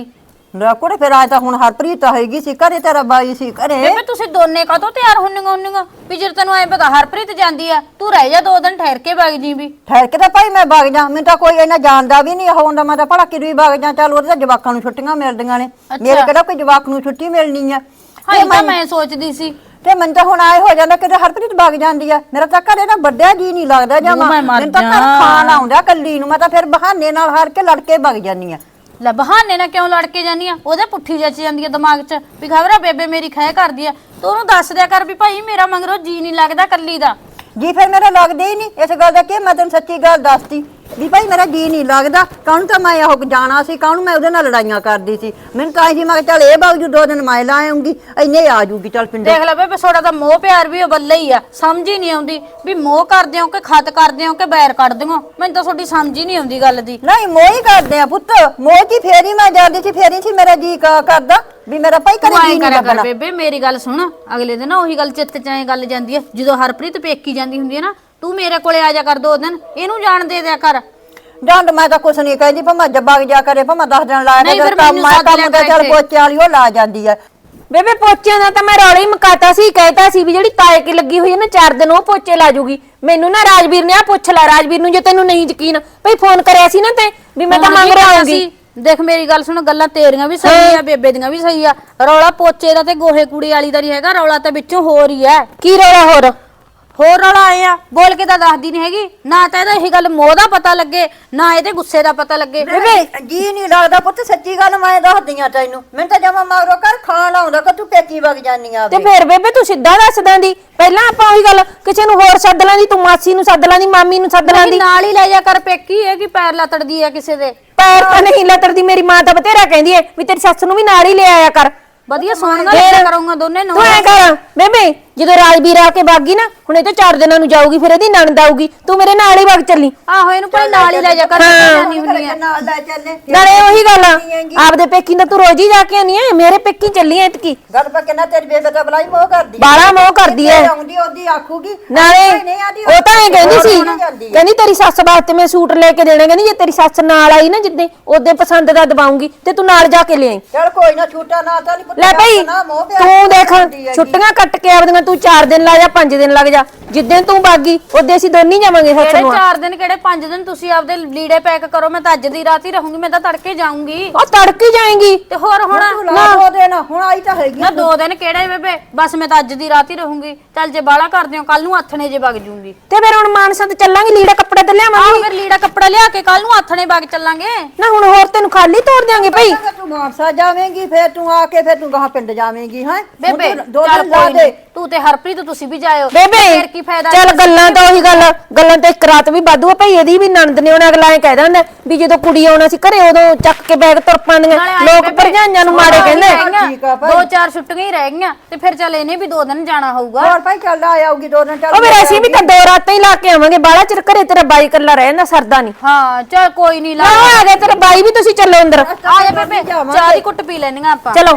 Speaker 1: ਲੈ ਕੁੜੇ ਫਿਰ ਆਏ ਤਾਂ ਹੁਣ ਹਰਪ੍ਰੀਤ ਤਾਂ ਹੈਗੀ ਸੀ ਘਰੇ, ਤੇਰਾ ਬਾਈ ਸੀ ਘਰੇ।
Speaker 4: ਬੇਬੇ ਤੁਸੀਂ ਦੋਨੇ ਕਾਹਤੋਂ ਤਿਆਰ ਹੁੰਨੀਆਂ ਹੁੰਨੀਆਂ ਵੀ ਜੇ ਤੈਨੂੰ ਐ ਪਤਾ ਹਰਪ੍ਰੀਤ ਜਾਂਦੀ ਆ ਤੂੰ ਰਹਿ ਜਾ ਦੋ ਦਿਨ ਠਹਿਰ ਕੇ ਵਗ ਜੀ ਵੀ।
Speaker 1: ਠਹਿਰ ਕੇ ਤਾਂ ਭਾਈ ਮੈਂ ਵਗ ਜਾ, ਮੈਨੂੰ ਤਾਂ ਕੋਈ ਇਹਨਾਂ ਜਾਣਦਾ ਵੀ ਨਹੀਂ ਹੁੰਦਾ, ਮੈਂ ਤਾਂ ਭਲਾ ਕਿਦੋਂ ਵਗ ਜਾ। ਚੱਲ ਉਹਦੇ ਤਾਂ ਜਵਾਕਾਂ ਨੂੰ ਛੁੱਟੀਆਂ ਮਿਲਦੀਆਂ ਨੇ, ਮੇਰੇ ਕਿਹੜਾ ਕੋਈ ਜਵਾਕ ਨੂੰ ਛੁੱਟੀ ਮਿਲਣੀ ਆ।
Speaker 4: ਹਾਂ ਇਹ ਤਾਂ ਮੈਂ ਸੋਚਦੀ ਸੀ
Speaker 1: ਤੇ ਮੈਨੂੰ ਤਾਂ ਹੁਣ ਆਏ ਹੋ ਜਾਂਦਾ ਕਿ ਹਰਪ੍ਰੀਤ ਵਗ ਜਾਂਦੀ ਆ, ਮੇਰਾ ਤਾਂ ਘਰੇ ਨਾ ਵੱਡਿਆ ਜੀ ਨਹੀਂ ਲੱਗਦਾ ਜਮਾ। ਮੈਨੂੰ ਤਾਂ ਘਰ ਖਾਣ ਆਉਂਦਾ ਕੱਲੀ ਨੂੰ, ਮੈਂ ਤਾਂ ਫਿਰ ਬਹਾਨੇ ਨਾਲ ਹਾਰ ਕੇ ਲੜ ਕੇ ਵਗ ਜਾਂਦੀ ਆ।
Speaker 4: ਲੈ ਬਹਾਨੇ ਨਾਲ ਕਿਉਂ ਲੜ ਕੇ ਜਾਨੀ ਆ? ਉਹਦੇ ਪੁੱਠੀ ਜੱਚ ਜਾਂਦੀ ਆ ਦਿਮਾਗ 'ਚ ਵੀ ਖਬਰ ਆ ਬੇਬੇ ਮੇਰੀ ਖਹਿ ਕਰਦੀ ਆ। ਤੂੰ ਉਹਨੂੰ ਦੱਸ ਦਿਆ ਕਰ ਵੀ ਭਾਈ ਮੇਰਾ ਮਗਰੋਂ ਜੀ ਨਹੀਂ ਲੱਗਦਾ ਕੱਲੀ ਦਾ।
Speaker 1: ਜੀ ਫਿਰ ਮੇਰਾ ਲੱਗਦਾ ਹੀ ਨਹੀਂ ਇਸ ਗੱਲ ਦਾ, ਕਿ ਮੈਂ ਤੈਨੂੰ ਸੱਚੀ ਗੱਲ ਦੱਸਤੀ ਵੀ ਭਾਈ ਮੇਰਾ ਜੀ ਨਹੀਂ ਲੱਗਦਾ। ਕਾਹਨੂੰ ਤਾਂ ਮੈਂ ਉਹ ਜਾਣਾ ਸੀ, ਕਾਹਨੂੰ ਮੈਂ ਉਹਦੇ ਨਾਲ ਲੜਾਈਆਂ ਕਰਦੀ ਸੀ। ਮੈਨੂੰ ਤਾਂ ਸੀ ਮੈਂ ਚੱਲ ਇਹ ਬਾਗਜੂ ਦੋ ਦਿਨ ਮੈਂ ਲਾ ਆਉਂਗੀ, ਇੰਨੇ ਆ ਜੂਗੀ ਚੱਲ ਪਿੰਡੇ।
Speaker 4: ਦੇਖ ਲੈ ਬੇਬੇ ਛੋੜਾ ਤਾਂ ਮੋਹ ਪਿਆਰ ਵੀ ਉਹ ਬੱਲੇ ਹੀ ਆ, ਸਮਝ ਹੀ ਨਹੀਂ ਆਉਂਦੀ ਵੀ ਮੋਹ ਕਰਦੇ ਹੋ ਕਿ ਖਤ ਕਰਦੇ ਹੋ ਕਿ ਬੈਰ ਕੱਢਦੇ ਹੋ। ਮੈਨੂੰ ਤਾਂ ਤੁਹਾਡੀ ਸਮਝ ਹੀ ਨਹੀਂ ਆਉਂਦੀ ਗੱਲ ਦੀ।
Speaker 1: ਨਹੀਂ ਮੋਹ ਹੀ ਕਰਦੇ ਆ ਪੁੱਤ, ਮੋਹ ਕੀ ਫੇਰੀ ਮੈਂ ਜਾਂਦੀ ਸੀ, ਫੇਰੀ ਸੀ ਮੇਰਾ ਜੀ ਕਰਦਾ ਵੀ ਮੇਰਾ ਭਾਈ ਕਰੇ ਜੀ ਨਹੀਂ ਲੱਗਣਾ।
Speaker 4: ਬੇਬੇ ਮੇਰੀ ਗੱਲ ਸੁਣ, ਅਗਲੇ ਦਿਨ ਉਹੀ ਗੱਲ ਚਿੱਤ 'ਚ ਐ ਗੱਲ ਜਾਂਦੀ ਹੈ ਜਦੋਂ ਹਰਪ੍ਰੀਤ ਪੇਕੀ ਜਾਂਦੀ ਹੁੰਦੀ ਹੈ ਨਾ, ਤੂੰ ਮੇਰੇ ਕੋਲੇ ਆ ਜਾ ਕਰ ਦੋ ਦਿਨ, ਇਹਨੂੰ ਜਾਣ ਦੇ ਦਿਆ ਕਰ।
Speaker 1: ਜਾਂਦ ਮੈਂ ਤਾਂ ਕੁਛ ਨਹੀਂ ਕਹਿੰਦੀ, ਭਾਵੇਂ ਜੱਬਾ ਜਾ ਕਰੇ, ਭਾਵੇਂ ਦਸ ਦਿਨ ਲਾਇਆ
Speaker 4: ਨਹੀਂ,
Speaker 1: ਕਰ,
Speaker 4: ਫਿਰ
Speaker 1: ਕੰਮ
Speaker 4: ਮੈਨੂੰ
Speaker 1: ਮੈਂ
Speaker 4: ਸੱਦ
Speaker 1: ਕੰਮ
Speaker 4: ਲਿਆ
Speaker 1: ਦਾ ਚੱਲ
Speaker 4: ਇੱਥੇ।
Speaker 1: ਪੋਚੇ ਵਾਲੀ ਉਹ ਲਾ ਜਾਂਦੀ ਆ।
Speaker 2: ਬੇਬੇ ਪੋਚਿਆਂ ਦਾ ਤਾਂ ਮੈਂ ਰੌਲਾ ਹੀ ਮਕਾਤਾ ਸੀ, ਕਹਿਤਾ ਸੀ ਵੀ ਜਿਹੜੀ ਤਾਏ ਕੀ ਲੱਗੀ ਹੋਈ ਹੈ ਨਾ ਚਾਰ ਦਿਨ ਉਹ ਪੋਚੇ ਲਾ ਜੂਗੀ। ਮੈਨੂੰ ਨਾ ਰਾਜਵੀਰ ਨੇ ਆ ਪੁੱਛ ਲੈ, ਰਾਜਵੀਰ ਨੂੰ ਜੇ ਤੈਨੂੰ ਨਹੀਂ ਯਕੀਨ ਭਈ ਫੋਨ ਕਰਿਆ ਸੀ ਨਾ ਤੇ ਵੀ ਮੈਂ ਤਾਂ ਮੰਗ ਰਿਹਾ ਆਉਂਗੀ।
Speaker 4: ਦੇਖ ਮੇਰੀ ਗੱਲ ਸੁਣ, ਗੱਲਾਂ ਤੇਰੀਆਂ ਵੀ ਸਹੀ ਆ ਬੇਬੇ ਦੀਆਂ ਵੀ ਸਹੀ ਆ। ਰੌਲਾ ਪੋਚੇ ਦਾ ਤੇ ਗੋਹੇ ਕੂੜੇ ਵਾਲੀ ਦਾ ਨਹੀਂ ਹੈਗਾ, ਰੌਲਾ ਤਾਂ ਵਿੱਚੋਂ ਹੋਰ ਹੀ ਹੈ।
Speaker 2: ਕੀ ਰੌਲਾ ਹੋਰ
Speaker 4: ਹੋਰ ਰੌਲਾ ਆਏ ਆ, ਬੋਲ ਕੇ ਤਾਂ ਦੱਸਦੀ ਨਹੀਂ ਹੈਗੀ ਨਾ। ਤਾਂ ਇਹਦਾ ਇਹ ਗੱਲ ਮੋਹ ਦਾ ਪਤਾ ਲੱਗੇ ਨਾ ਇਹਦੇ ਗੁੱਸੇ ਦਾ ਪਤਾ ਲੱਗੇ।
Speaker 1: ਬੇਬੇ ਜੀ ਨਹੀਂ ਲੱਗਦਾ ਪੁੱਤ, ਸੱਚੀ ਗੱਲ ਮੈਂ ਦੱਸਦੀ ਆ ਤੈਨੂੰ। ਮੈਨੂੰ ਤਾਂ ਜਮਾ ਮਾਰੋ ਕਰ ਖਾਣ ਆਉਂਦਾ ਕਿ ਤੂੰ ਪੇਕੀ ਵਗ ਜਾਨੀ ਆ।
Speaker 2: ਤੇ ਫਿਰ ਬੇਬੇ ਤੂੰ ਸਿੱਧਾ ਦੱਸ ਦਿੰਦੀ, ਪਹਿਲਾਂ ਆਪਾਂ ਉਹੀ ਗੱਲ ਕਿਸੇ ਨੂੰ ਹੋਰ ਸੱਦ ਲਾਂਦੀ, ਤੂੰ ਮਾਸੀ ਨੂੰ ਸੱਦ ਲਾਂਦੀ, ਮਾਮੀ ਨੂੰ ਸੱਦ ਲਾਂਦੀ।
Speaker 4: ਨਾਲ ਹੀ ਲੈ ਜਾ ਕਰ ਪੇਕੀ, ਇਹ ਕੀ ਪੈਰ ਲਤੜਦੀ ਆ ਕਿਸੇ ਦੇ।
Speaker 2: ਪੈਰ ਤਾਂ ਨਹੀਂ ਲਤਰਦੀ, ਮੇਰੀ ਮਾਂ ਤਾਂ ਬਥੇਰਾ ਕਹਿੰਦੀ ਏ ਵੀ ਤੇਰੀ ਸੱਸ ਨੂੰ ਵੀ ਨਾਲ ਹੀ ਲੈ ਆਇਆ ਕਰ।
Speaker 4: ਵਧੀਆ ਸੋਹਣ ਨਾਲ ਲੈ ਕਰੂੰਗਾ ਦੋਨੇ ਨੂੰ।
Speaker 2: ਤੂੰ ਐ ਕਰ ਬੇਬੇ, ਜਦੋਂ ਰਾਜਵੀਰ ਆ ਕੇ ਬਾਗੀ ਨਾ, ਹੁਣ ਇਹ ਤਾਂ ਚਾਰ ਦਿਨਾਂ ਨੂੰ ਜਾਊਗੀ, ਫਿਰ ਇਹਦੀ ਨਣਦ ਆਊਗੀ, ਤੂੰ ਮੇਰੇ ਨਾਲ ਹੀ ਵਗ ਚੱਲੀ।
Speaker 4: ਆਹੋ ਇਹਨੂੰ ਭਾਈ ਨਾਲ ਹੀ ਲੈ ਜਾ ਕਰ, ਜਾਨੀ ਹੁੰਨੀ ਆ।
Speaker 1: ਨਾਲ ਲੈ ਚੱਲੇ
Speaker 2: ਨਾਲੇ ਉਹੀ ਗੱਲ ਆ, ਆਪਦੇ ਪੇਕੀ ਦਾ ਤੂੰ ਰੋਜ਼ ਹੀ ਜਾ ਕੇ ਆਨੀ ਐ, ਮੇਰੇ ਪੇਕੀ ਚੱਲੀ ਐ ਇਤਕੀ।
Speaker 1: ਗੱਲ ਪਾ ਕਿੰਨਾ ਤੇਰੀ ਬੇਬੇ ਤਾਂ ਬਲਾਈ ਮੋਹ ਕਰਦੀ ਆ।
Speaker 2: ਬਾਲਾ ਮੋਹ ਕਰਦੀ ਐ।
Speaker 1: ਆਉਂਦੀ ਉਹਦੀ ਆਖੂਗੀ
Speaker 2: ਨਾਲੇ ਉਹ ਤਾਂ ਇਹ ਕਹਿੰਦੀ ਸੀ, ਕਹਿੰਦੀ ਤੇਰੀ ਸੱਸ ਵਾਸਤੇ ਮੈਂ ਸੂਟ ਲੈ ਕੇ ਦੇਣਾ, ਕਹਿੰਦੀ ਜੇ ਤੇਰੀ ਸੱਸ ਨਾਲ ਆਈ ਨਾ ਜਿੱਦੇ ਉਹਦੇ ਪਸੰਦ ਦਾ ਦਵਾਉਂਗੀ ਤੇ ਤੂੰ ਨਾਲ ਜਾ ਕੇ ਲੈ ਆਈ।
Speaker 1: ਚੱਲ ਕੋਈ ਨਾ, ਛੂਟਾ ਨਾ ਤਾਂ ਨਹੀਂ ਪੁੱਤ।
Speaker 2: ਲੈ ਭਾਈ ਤੂੰ ਦੇਖ, ਛੁੱਟੀਆਂ ਕੱਟ ਕੇ ਆਵਦੀਆਂ, ਤੂੰ ਚਾਰ ਦਿਨ ਲਾ ਜਾ ਪੰਜ ਦਿਨ ਲੱਗ ਜਾ, ਜਿੱਦਾਂ ਤੂੰ ਬਾਗੀ ਉਹਦੇ ਅਸੀਂ ਦੋਨੀ ਜਾਵਾਂਗੇ ਸੱਸ
Speaker 4: ਕਿਹੜੇ
Speaker 2: ਨੂੰ।
Speaker 4: ਚਾਰ ਦਿਨ ਕਿਹੜੇ ਪੰਜ ਦਿਨ, ਤੁਸੀਂ ਆਪਦੇ ਲੀੜੇ ਪੈਕ ਕਰੋ, ਮੈਂ ਤਾਂ ਅੱਜ ਦੀ ਰਾਤ ਹੀ ਰਹੂੰਗੀ, ਮੈਂ ਤਾਂ ਤੜਕੇ ਜਾਊਂਗੀ।
Speaker 2: ਉਹ ਤੜਕੇ ਜਾਏਂਗੀ
Speaker 4: ਤੇ ਹੋਰ ਹੁਣ
Speaker 1: ਨਾ ਦੋ ਦਿਨ ਹੁਣ ਆਈ ਤਾਂ ਹੈਗੀ।
Speaker 4: ਨਾ ਦੋ ਦਿਨ ਕਿਹੜੇ ਬੇਬੇ, ਬਸ ਮੈਂ ਤਾਂ ਅੱਜ ਦੀ ਰਾਤ ਹੀ ਰਹੂੰਗੀ। ਚੱਲ ਜੇ ਬਾਲਾ ਕਰਦੇ ਹੋ ਕੱਲ ਨੂੰ ਆਥਣੇ ਜੇ ਵਗ ਜੂੰਗੀ।
Speaker 2: ਤੇ ਫਿਰ ਹੁਣ ਮਾਨਸਾ ਤੇ ਚੱਲਾਂਗੇ, ਲੀੜਾ ਕੱਪੜਾ ਤੇ
Speaker 4: ਆਹ
Speaker 2: ਲਿਆਵਾਂਗੇ।
Speaker 4: ਫਿਰ ਲੀੜਾ ਕੱਪੜਾ ਲਿਆ ਕੇ ਕੱਲ ਨੂੰ ਆਥਣੇ ਵਗ ਚੱਲਾਂਗੇ।
Speaker 2: ਨਾ ਹੁਣ ਹੋਰ ਤੈਨੂੰ ਖਾਲੀ ਤੋੜ ਦਿਆਂਗੇ ਭਾਈ।
Speaker 1: ਤੂੰ ਮਾਨਸਾ ਜਾਵੇਂਗੀ, ਫਿਰ ਤੂੰ ਆ ਕੇ ਫਿਰ ਤੂੰ ਗਾਹ ਪਿੰਡ ਜਾਵੇਂਗੀ। ਹੈ
Speaker 4: ਬੇਬੇ
Speaker 1: ਦੋ
Speaker 4: ਚੱਲ
Speaker 1: ਦਿਨ ਲਾ
Speaker 4: ਕੋਈ
Speaker 1: ਦੇ।
Speaker 4: ਨੀ, ਤੂੰ ਤੇ ਹਰਪ੍ਰੀਤ ਤੁਸੀਂ ਵੀ ਜਾਇਓ।
Speaker 2: ਬੇਬੇ
Speaker 4: ਫਿਰ ਕੀ ਫਾਇਦਾ?
Speaker 2: ਚੱਲ ਗੱਲਾਂ ਤਾਂ ਉਹੀ ਗੱਲ, ਗੱਲਾਂ ਤਾਂ ਇੱਕ ਰਾਤ ਵੀ ਵਾਧੂ ਆ ਭਾਈ। ਇਹਦੀ ਵੀ ਨਣਦ ਨੇ ਉਹਨੇ ਅਗਲਾ ਐ ਕਹਿ ਦਿੰਦਾ ਵੀ ਜਦੋਂ ਕੁੜੀ ਆਉਣਾ ਸੀ ਘਰੇ ਉਦੋਂ ਚੱਕ ਕੇ ਬੈਗ ਤੁਰ ਪਾਉਂਦੀਆਂ ਲੋਕ, ਭਰਜਾਈਆਂ ਨੂੰ ਮਾੜੇ ਕਹਿੰਦੇ।
Speaker 1: ਠੀਕ ਆ ਭਾਈ।
Speaker 4: ਦੋ ਚਾਰ ਛੁੱਟੀਆਂ ਹੀ ਰਹਿ ਗਈਆਂ ਤੇ ਫਿਰ ਚੱਲ ਇਹਨੇ ਵੀ ਦੋ ਦਿਨ ਜਾਣਾ ਹੋਊਗਾ।
Speaker 1: ਹੋਰ ਭਾਈ ਚੱਲ ਆ ਆਊਗੀ ਦੋ ਦਿਨ। ਚੱਲ
Speaker 2: ਉਹ ਫਿਰ ਅਸੀਂ ਵੀ ਤਾਂ ਦੋ ਰਾਤਾਂ ਹੀ ਲਾ ਕੇ ਆਵਾਂਗੇ, ਬਾਲਾ ਚਿਰ ਘਰੇ ਤੇਰਾ ਬਾਈ ਇਕੱਲਾ ਰਹਿ ਜਾਂਦਾ, ਸਰਦਾ ਨਹੀਂ।
Speaker 4: ਹਾਂ ਚੱਲ ਕੋਈ ਨਹੀਂ ਲਾ
Speaker 2: ਆਹ ਆ ਗਿਆ ਤੇਰਾ ਬਾਈ ਵੀ, ਤੁਸੀਂ ਚੱਲੋ ਅੰਦਰ।
Speaker 4: ਆ ਜਾ ਬੇਬੇ, ਚਾਹ ਦੀ ਕੁੱਟ ਪੀ ਲੈਣੀਆਂ ਆਪਾਂ।
Speaker 2: ਚਲੋ।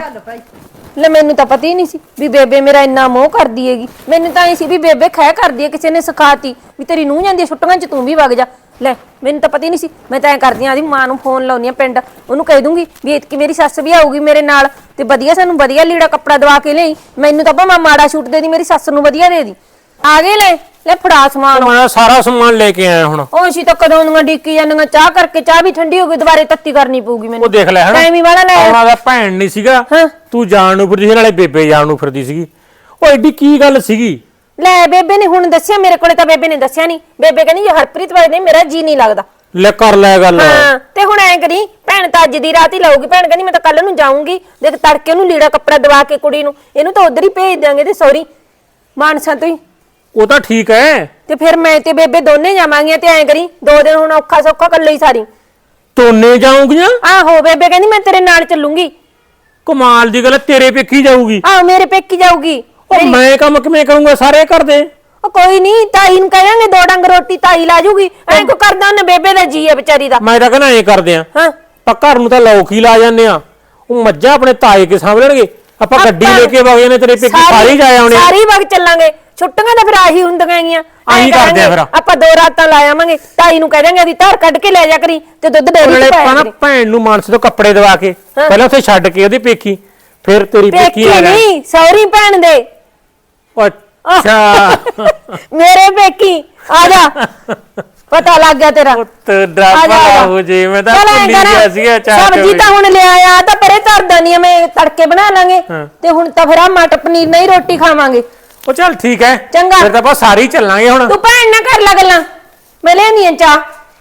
Speaker 2: ਲੈ ਮੈਨੂੰ ਤਾਂ ਪਤਾ ਹੀ ਨਹੀਂ ਸੀ ਵੀ ਬੇਬੇ ਮੇਰਾ ਇੰਨਾ ਮੋਹ ਕਰਦੀ ਹੈਗੀ। ਮੈਨੂੰ ਤਾਂ ਇਹ ਸੀ ਵੀ ਬੇਬੇ ਖਹਿ ਕਰਦੀ ਹੈ, ਕਿਸੇ ਨੇ ਸਿਖਾਤੀ ਵੀ ਤੇਰੀ ਨੂੰਹ ਜਾਂਦੀ ਛੁੱਟੀਆਂ 'ਚ ਤੂੰ ਵੀ ਵਗ ਜਾ। ਲੈ ਮੈਨੂੰ ਤਾਂ ਪਤਾ ਹੀ ਨਹੀਂ ਸੀ। ਮੈਂ ਤਾਂ ਐ ਕਰਦੀ ਆ, ਆਦੀ ਮਾਂ ਨੂੰ ਫੋਨ ਲਾਉਣੀ ਆ ਪਿੰਡ, ਉਹਨੂੰ ਕਹਿ ਦੂੰਗੀ ਵੀ ਇਤਕੀ ਮੇਰੀ ਸੱਸ ਵੀ ਆਊਗੀ ਮੇਰੇ ਨਾਲ ਤੇ ਵਧੀਆ ਸਾਨੂੰ ਵਧੀਆ ਲੀੜਾ ਕੱਪੜਾ ਦਵਾ ਕੇ ਲਈ। ਮੈਨੂੰ ਤਾਂ ਭਾਵੇਂ ਮਾੜਾ ਛੂਟ ਦੇ ਦੀ, ਮੇਰੀ ਸੱਸ ਨੂੰ ਵਧੀਆ ਦੇ ਦੀ। ਆ ਗਏ ਲੈ ਲੈ ਫੜਾ ਸਮਾਨ।
Speaker 3: ਮੈਂ ਸਾਰਾ ਸਮਾਨ ਲੈ ਕੇ ਆਇਆ ਹੁਣ।
Speaker 2: ਉਹ ਅਸੀਂ ਤਾਂ ਕਦੋਂ ਦੀਆਂ ਡੀਕੀ ਜਾਂਦੀਆਂ, ਚਾਹ ਕਰਕੇ ਚਾਹ ਵੀ ਠੰਡੀ ਹੋ ਗਈ, ਦੁਬਾਰੇ ਤੱਤੀ ਕਰਨੀ ਪਊਗੀ ਮੈਨੂੰ।
Speaker 3: ਉਹ ਦੇਖ ਲੈ ਹਨਾ,
Speaker 2: ਟਾਈਮ ਹੀ ਵਾਲਾ ਲੈ
Speaker 3: ਉਹਨਾਂ ਦਾ ਭੈਣ ਨਹੀਂ ਸੀਗਾ,
Speaker 2: ਹਾਂ।
Speaker 3: ਤੂੰ ਜਾਣ ਨੂੰ ਫਿਰਦੀ ਸੀ, ਨਾਲੇ ਬੇਬੇ ਜਾਣ ਨੂੰ ਫਿਰਦੀ ਸੀਗੀ। ਉਹ ਐਡੀ ਕੀ ਗੱਲ ਸੀਗੀ?
Speaker 2: ਲੈ ਬੇਬੇ ਨੇ ਹੁਣ ਦੱਸਿਆ, ਮੇਰੇ ਕੋਲੇ ਤਾਂ ਬੇਬੇ ਨੇ ਦੱਸਿਆ ਨਹੀਂ। ਬੇਬੇ ਕਹਿੰਦੀ ਜੇ ਹਰਪ੍ਰੀਤ ਵਾਲੇ ਨੇ ਮੇਰਾ ਜੀ ਨਹੀਂ ਲੱਗਦਾ।
Speaker 3: ਲੈ ਕਰ ਲੈ ਗੱਲ।
Speaker 2: ਹਾਂ ਤੇ ਹੁਣ ਐ ਕਰੀ, ਭੈਣ ਤਾਂ ਅੱਜ ਦੀ ਰਾਤ ਹੀ ਲਾਊਗੀ। ਭੈਣ ਕਹਿੰਦੀ ਮੈਂ ਤਾਂ ਕੱਲ ਨੂੰ ਜਾਊਂਗੀ, ਦੇਖ ਤੜਕੇ ਉਹਨੂੰ ਲੀੜਾ ਕੱਪੜਾ ਦਵਾ ਕੇ ਕੁੜੀ ਨੂੰ, ਇਹਨੂੰ ਤਾਂ ਉਧਰ ਹੀ ਭੇਜ ਦਿਆਂਗੇ ਤੇ ਸੌਰੀ ਮਾਨਸਾ ਤੋਂ ਹੀ।
Speaker 3: ਉਹ ਤਾਂ ਠੀਕ ਹੈ,
Speaker 2: ਤੇ ਫਿਰ ਮੈਂ ਤੇ ਬੇਬੇ ਦੋਨੇ ਜਾਵਾਂਗੇ। ਤੇ ਐ ਕਰੀ ਦੋ ਦਿਨ ਹੁਣ ਔਖਾ ਸੌਖਾ ਕੱਲੇ ਹੀ ਸਾਰੀ।
Speaker 3: ਤੋਨੇ ਜਾਊਂਗੀਆਂ?
Speaker 2: ਆਹੋ ਬੇਬੇ ਕਹਿੰਦੀ ਮੈਂ ਤੇਰੇ ਨਾਲ ਚੱਲੂੰਗੀ।
Speaker 3: ਕਮਾਲ ਦੀ ਗੱਲ, ਤੇਰੇ ਪੇਕੀ ਜਾਊਗੀ?
Speaker 2: ਆਹੋ ਮੇਰੇ ਪੇਕੀ ਜਾਊਗੀ।
Speaker 3: ਉਹ ਮੈਂ ਕੰਮ ਕਿਵੇਂ ਕਰੂੰਗਾ ਸਾਰੇ ਘਰ ਦੇ?
Speaker 2: ਉਹ ਕੋਈ ਨਹੀਂ, ਤਾਈ ਨੂੰ ਕਹਾਂਗੇ ਦੋ ਡੰਗ ਰੋਟੀ ਤਾਈ ਲਾ ਜੂਗੀ। ਐਂ ਕੋ ਕਰਦਾ ਉਹਨੇ, ਬੇਬੇ ਦਾ ਜੀ ਹੈ ਵਿਚਾਰੀ ਦਾ।
Speaker 3: ਮੈਂ ਤਾਂ ਕਹਿੰਦਾ ਐ ਕਰਦੇ ਆ,
Speaker 2: ਹਾਂ
Speaker 3: ਆਪਾਂ ਘਰ ਨੂੰ ਤਾਂ ਲੋਕ ਹੀ ਲਾ ਜਾਂਦੇ ਆ, ਉਹ ਮੱਝਾਂ ਆਪਣੇ ਤਾਏ ਕੇ ਸਾਂਭ ਲੈਣਗੇ, ਆਪਾਂ ਗੱਡੀ ਲੈ ਕੇ ਵਗ ਜਾਂਦੇ ਤੇਰੇ ਪੇਕੀ ਸਾਰੇ ਜਾ ਆਉਣੇ।
Speaker 2: ਸਾਰੀ ਵਗ ਚੱਲਾਂਗੇ, ਛੁੱਟੀਆਂ ਤਾਂ ਫਿਰ ਆਹੀ ਹੁੰਦੀਆਂ ਗੀਆਂ
Speaker 3: ਆਹੀ ਕਰਦੇ ਆ ਫਿਰ।
Speaker 2: ਆਪਾਂ ਦੋ ਰਾਤਾਂ ਲਾ ਆਵਾਂਗੇ ਤਾਈ ਨੂੰ ਕਹਿ ਦਾਂਗੇ ਆਦੀ ਧਾਰ ਕੱਢ ਕੇ ਲੈ ਜਾ ਕਰੀ ਤੇ ਦੁੱਧ ਡੇਰੀ
Speaker 3: ਨਾਲੇ
Speaker 2: ਚ
Speaker 3: ਆਪਾਂ
Speaker 2: ਪਾਇਆ
Speaker 3: ਨਾ
Speaker 2: ਕਰੀ
Speaker 3: ਭੈਣ ਨੂੰ ਮਾਨਸ ਤੋਂ ਕੱਪੜੇ ਦਵਾ ਕੇ ਪਹਿਲਾਂ ਉੱਥੇ ਛੱਡ ਕੇ ਉਹਦੀ ਪੇਕੀ ਫਿਰ ਤੇਰੀ ਪੇਕੀ
Speaker 2: ਪੇਕੀ
Speaker 3: ਆ ਗਈ
Speaker 2: ਨਹੀਂ ਸੌਰੀ ਭੈਣ ਦੇ
Speaker 3: ਅੱਛਾ
Speaker 2: ਮੇਰੇ ਪੇਕੀ ਆ ਜਾ ਪਤਾ ਲੱਗ ਗਿਆ ਤੇਰਾ
Speaker 3: ਪੁੱਤ
Speaker 2: ਆ ਜਾ,
Speaker 3: ਡਰਾਮਾ
Speaker 2: ਆ ਜਾ।
Speaker 3: ਹੋ ਜੇ ਮੈਂ ਤਾਂ
Speaker 2: ਚੱਲ ਐਂ
Speaker 3: ਭੁੱਲੀ
Speaker 2: ਕਰ,
Speaker 3: ਗਿਆ ਸੀਗਾ ਚਾਹ
Speaker 2: ਸਬਜ਼ੀ ਤਾਂ ਹੁਣ ਲਿਆ ਆ ਤਾਂ ਪਰੇ ਧਰਦਾ ਨਹੀਂ ਮੈਂ ਤੜਕੇ ਬਣਾ ਲਾਂਗੇ
Speaker 3: ਹਾਂ।
Speaker 2: ਤੇ ਹੁਣ ਤਾਂ ਫਿਰ ਆ ਮਟਰ ਪਨੀਰ ਨਹੀਂ ਰੋਟੀ ਖਾਵਾਂਗੇ
Speaker 3: ਉਹ ਚੱਲ ਠੀਕ ਹੈ
Speaker 2: ਚੰਗਾ।
Speaker 3: ਫਿਰ ਤਾਂ ਆਪਾਂ ਸਾਰੇ ਹੀ ਚੱਲਾਂਗੇ ਹੁਣ
Speaker 2: ਤੂੰ ਭੈਣ ਨਾ ਕਰ ਲਾ ਗੱਲਾਂ ਮੈਂ ਲੈਣੀ ਆ ਚਾਹ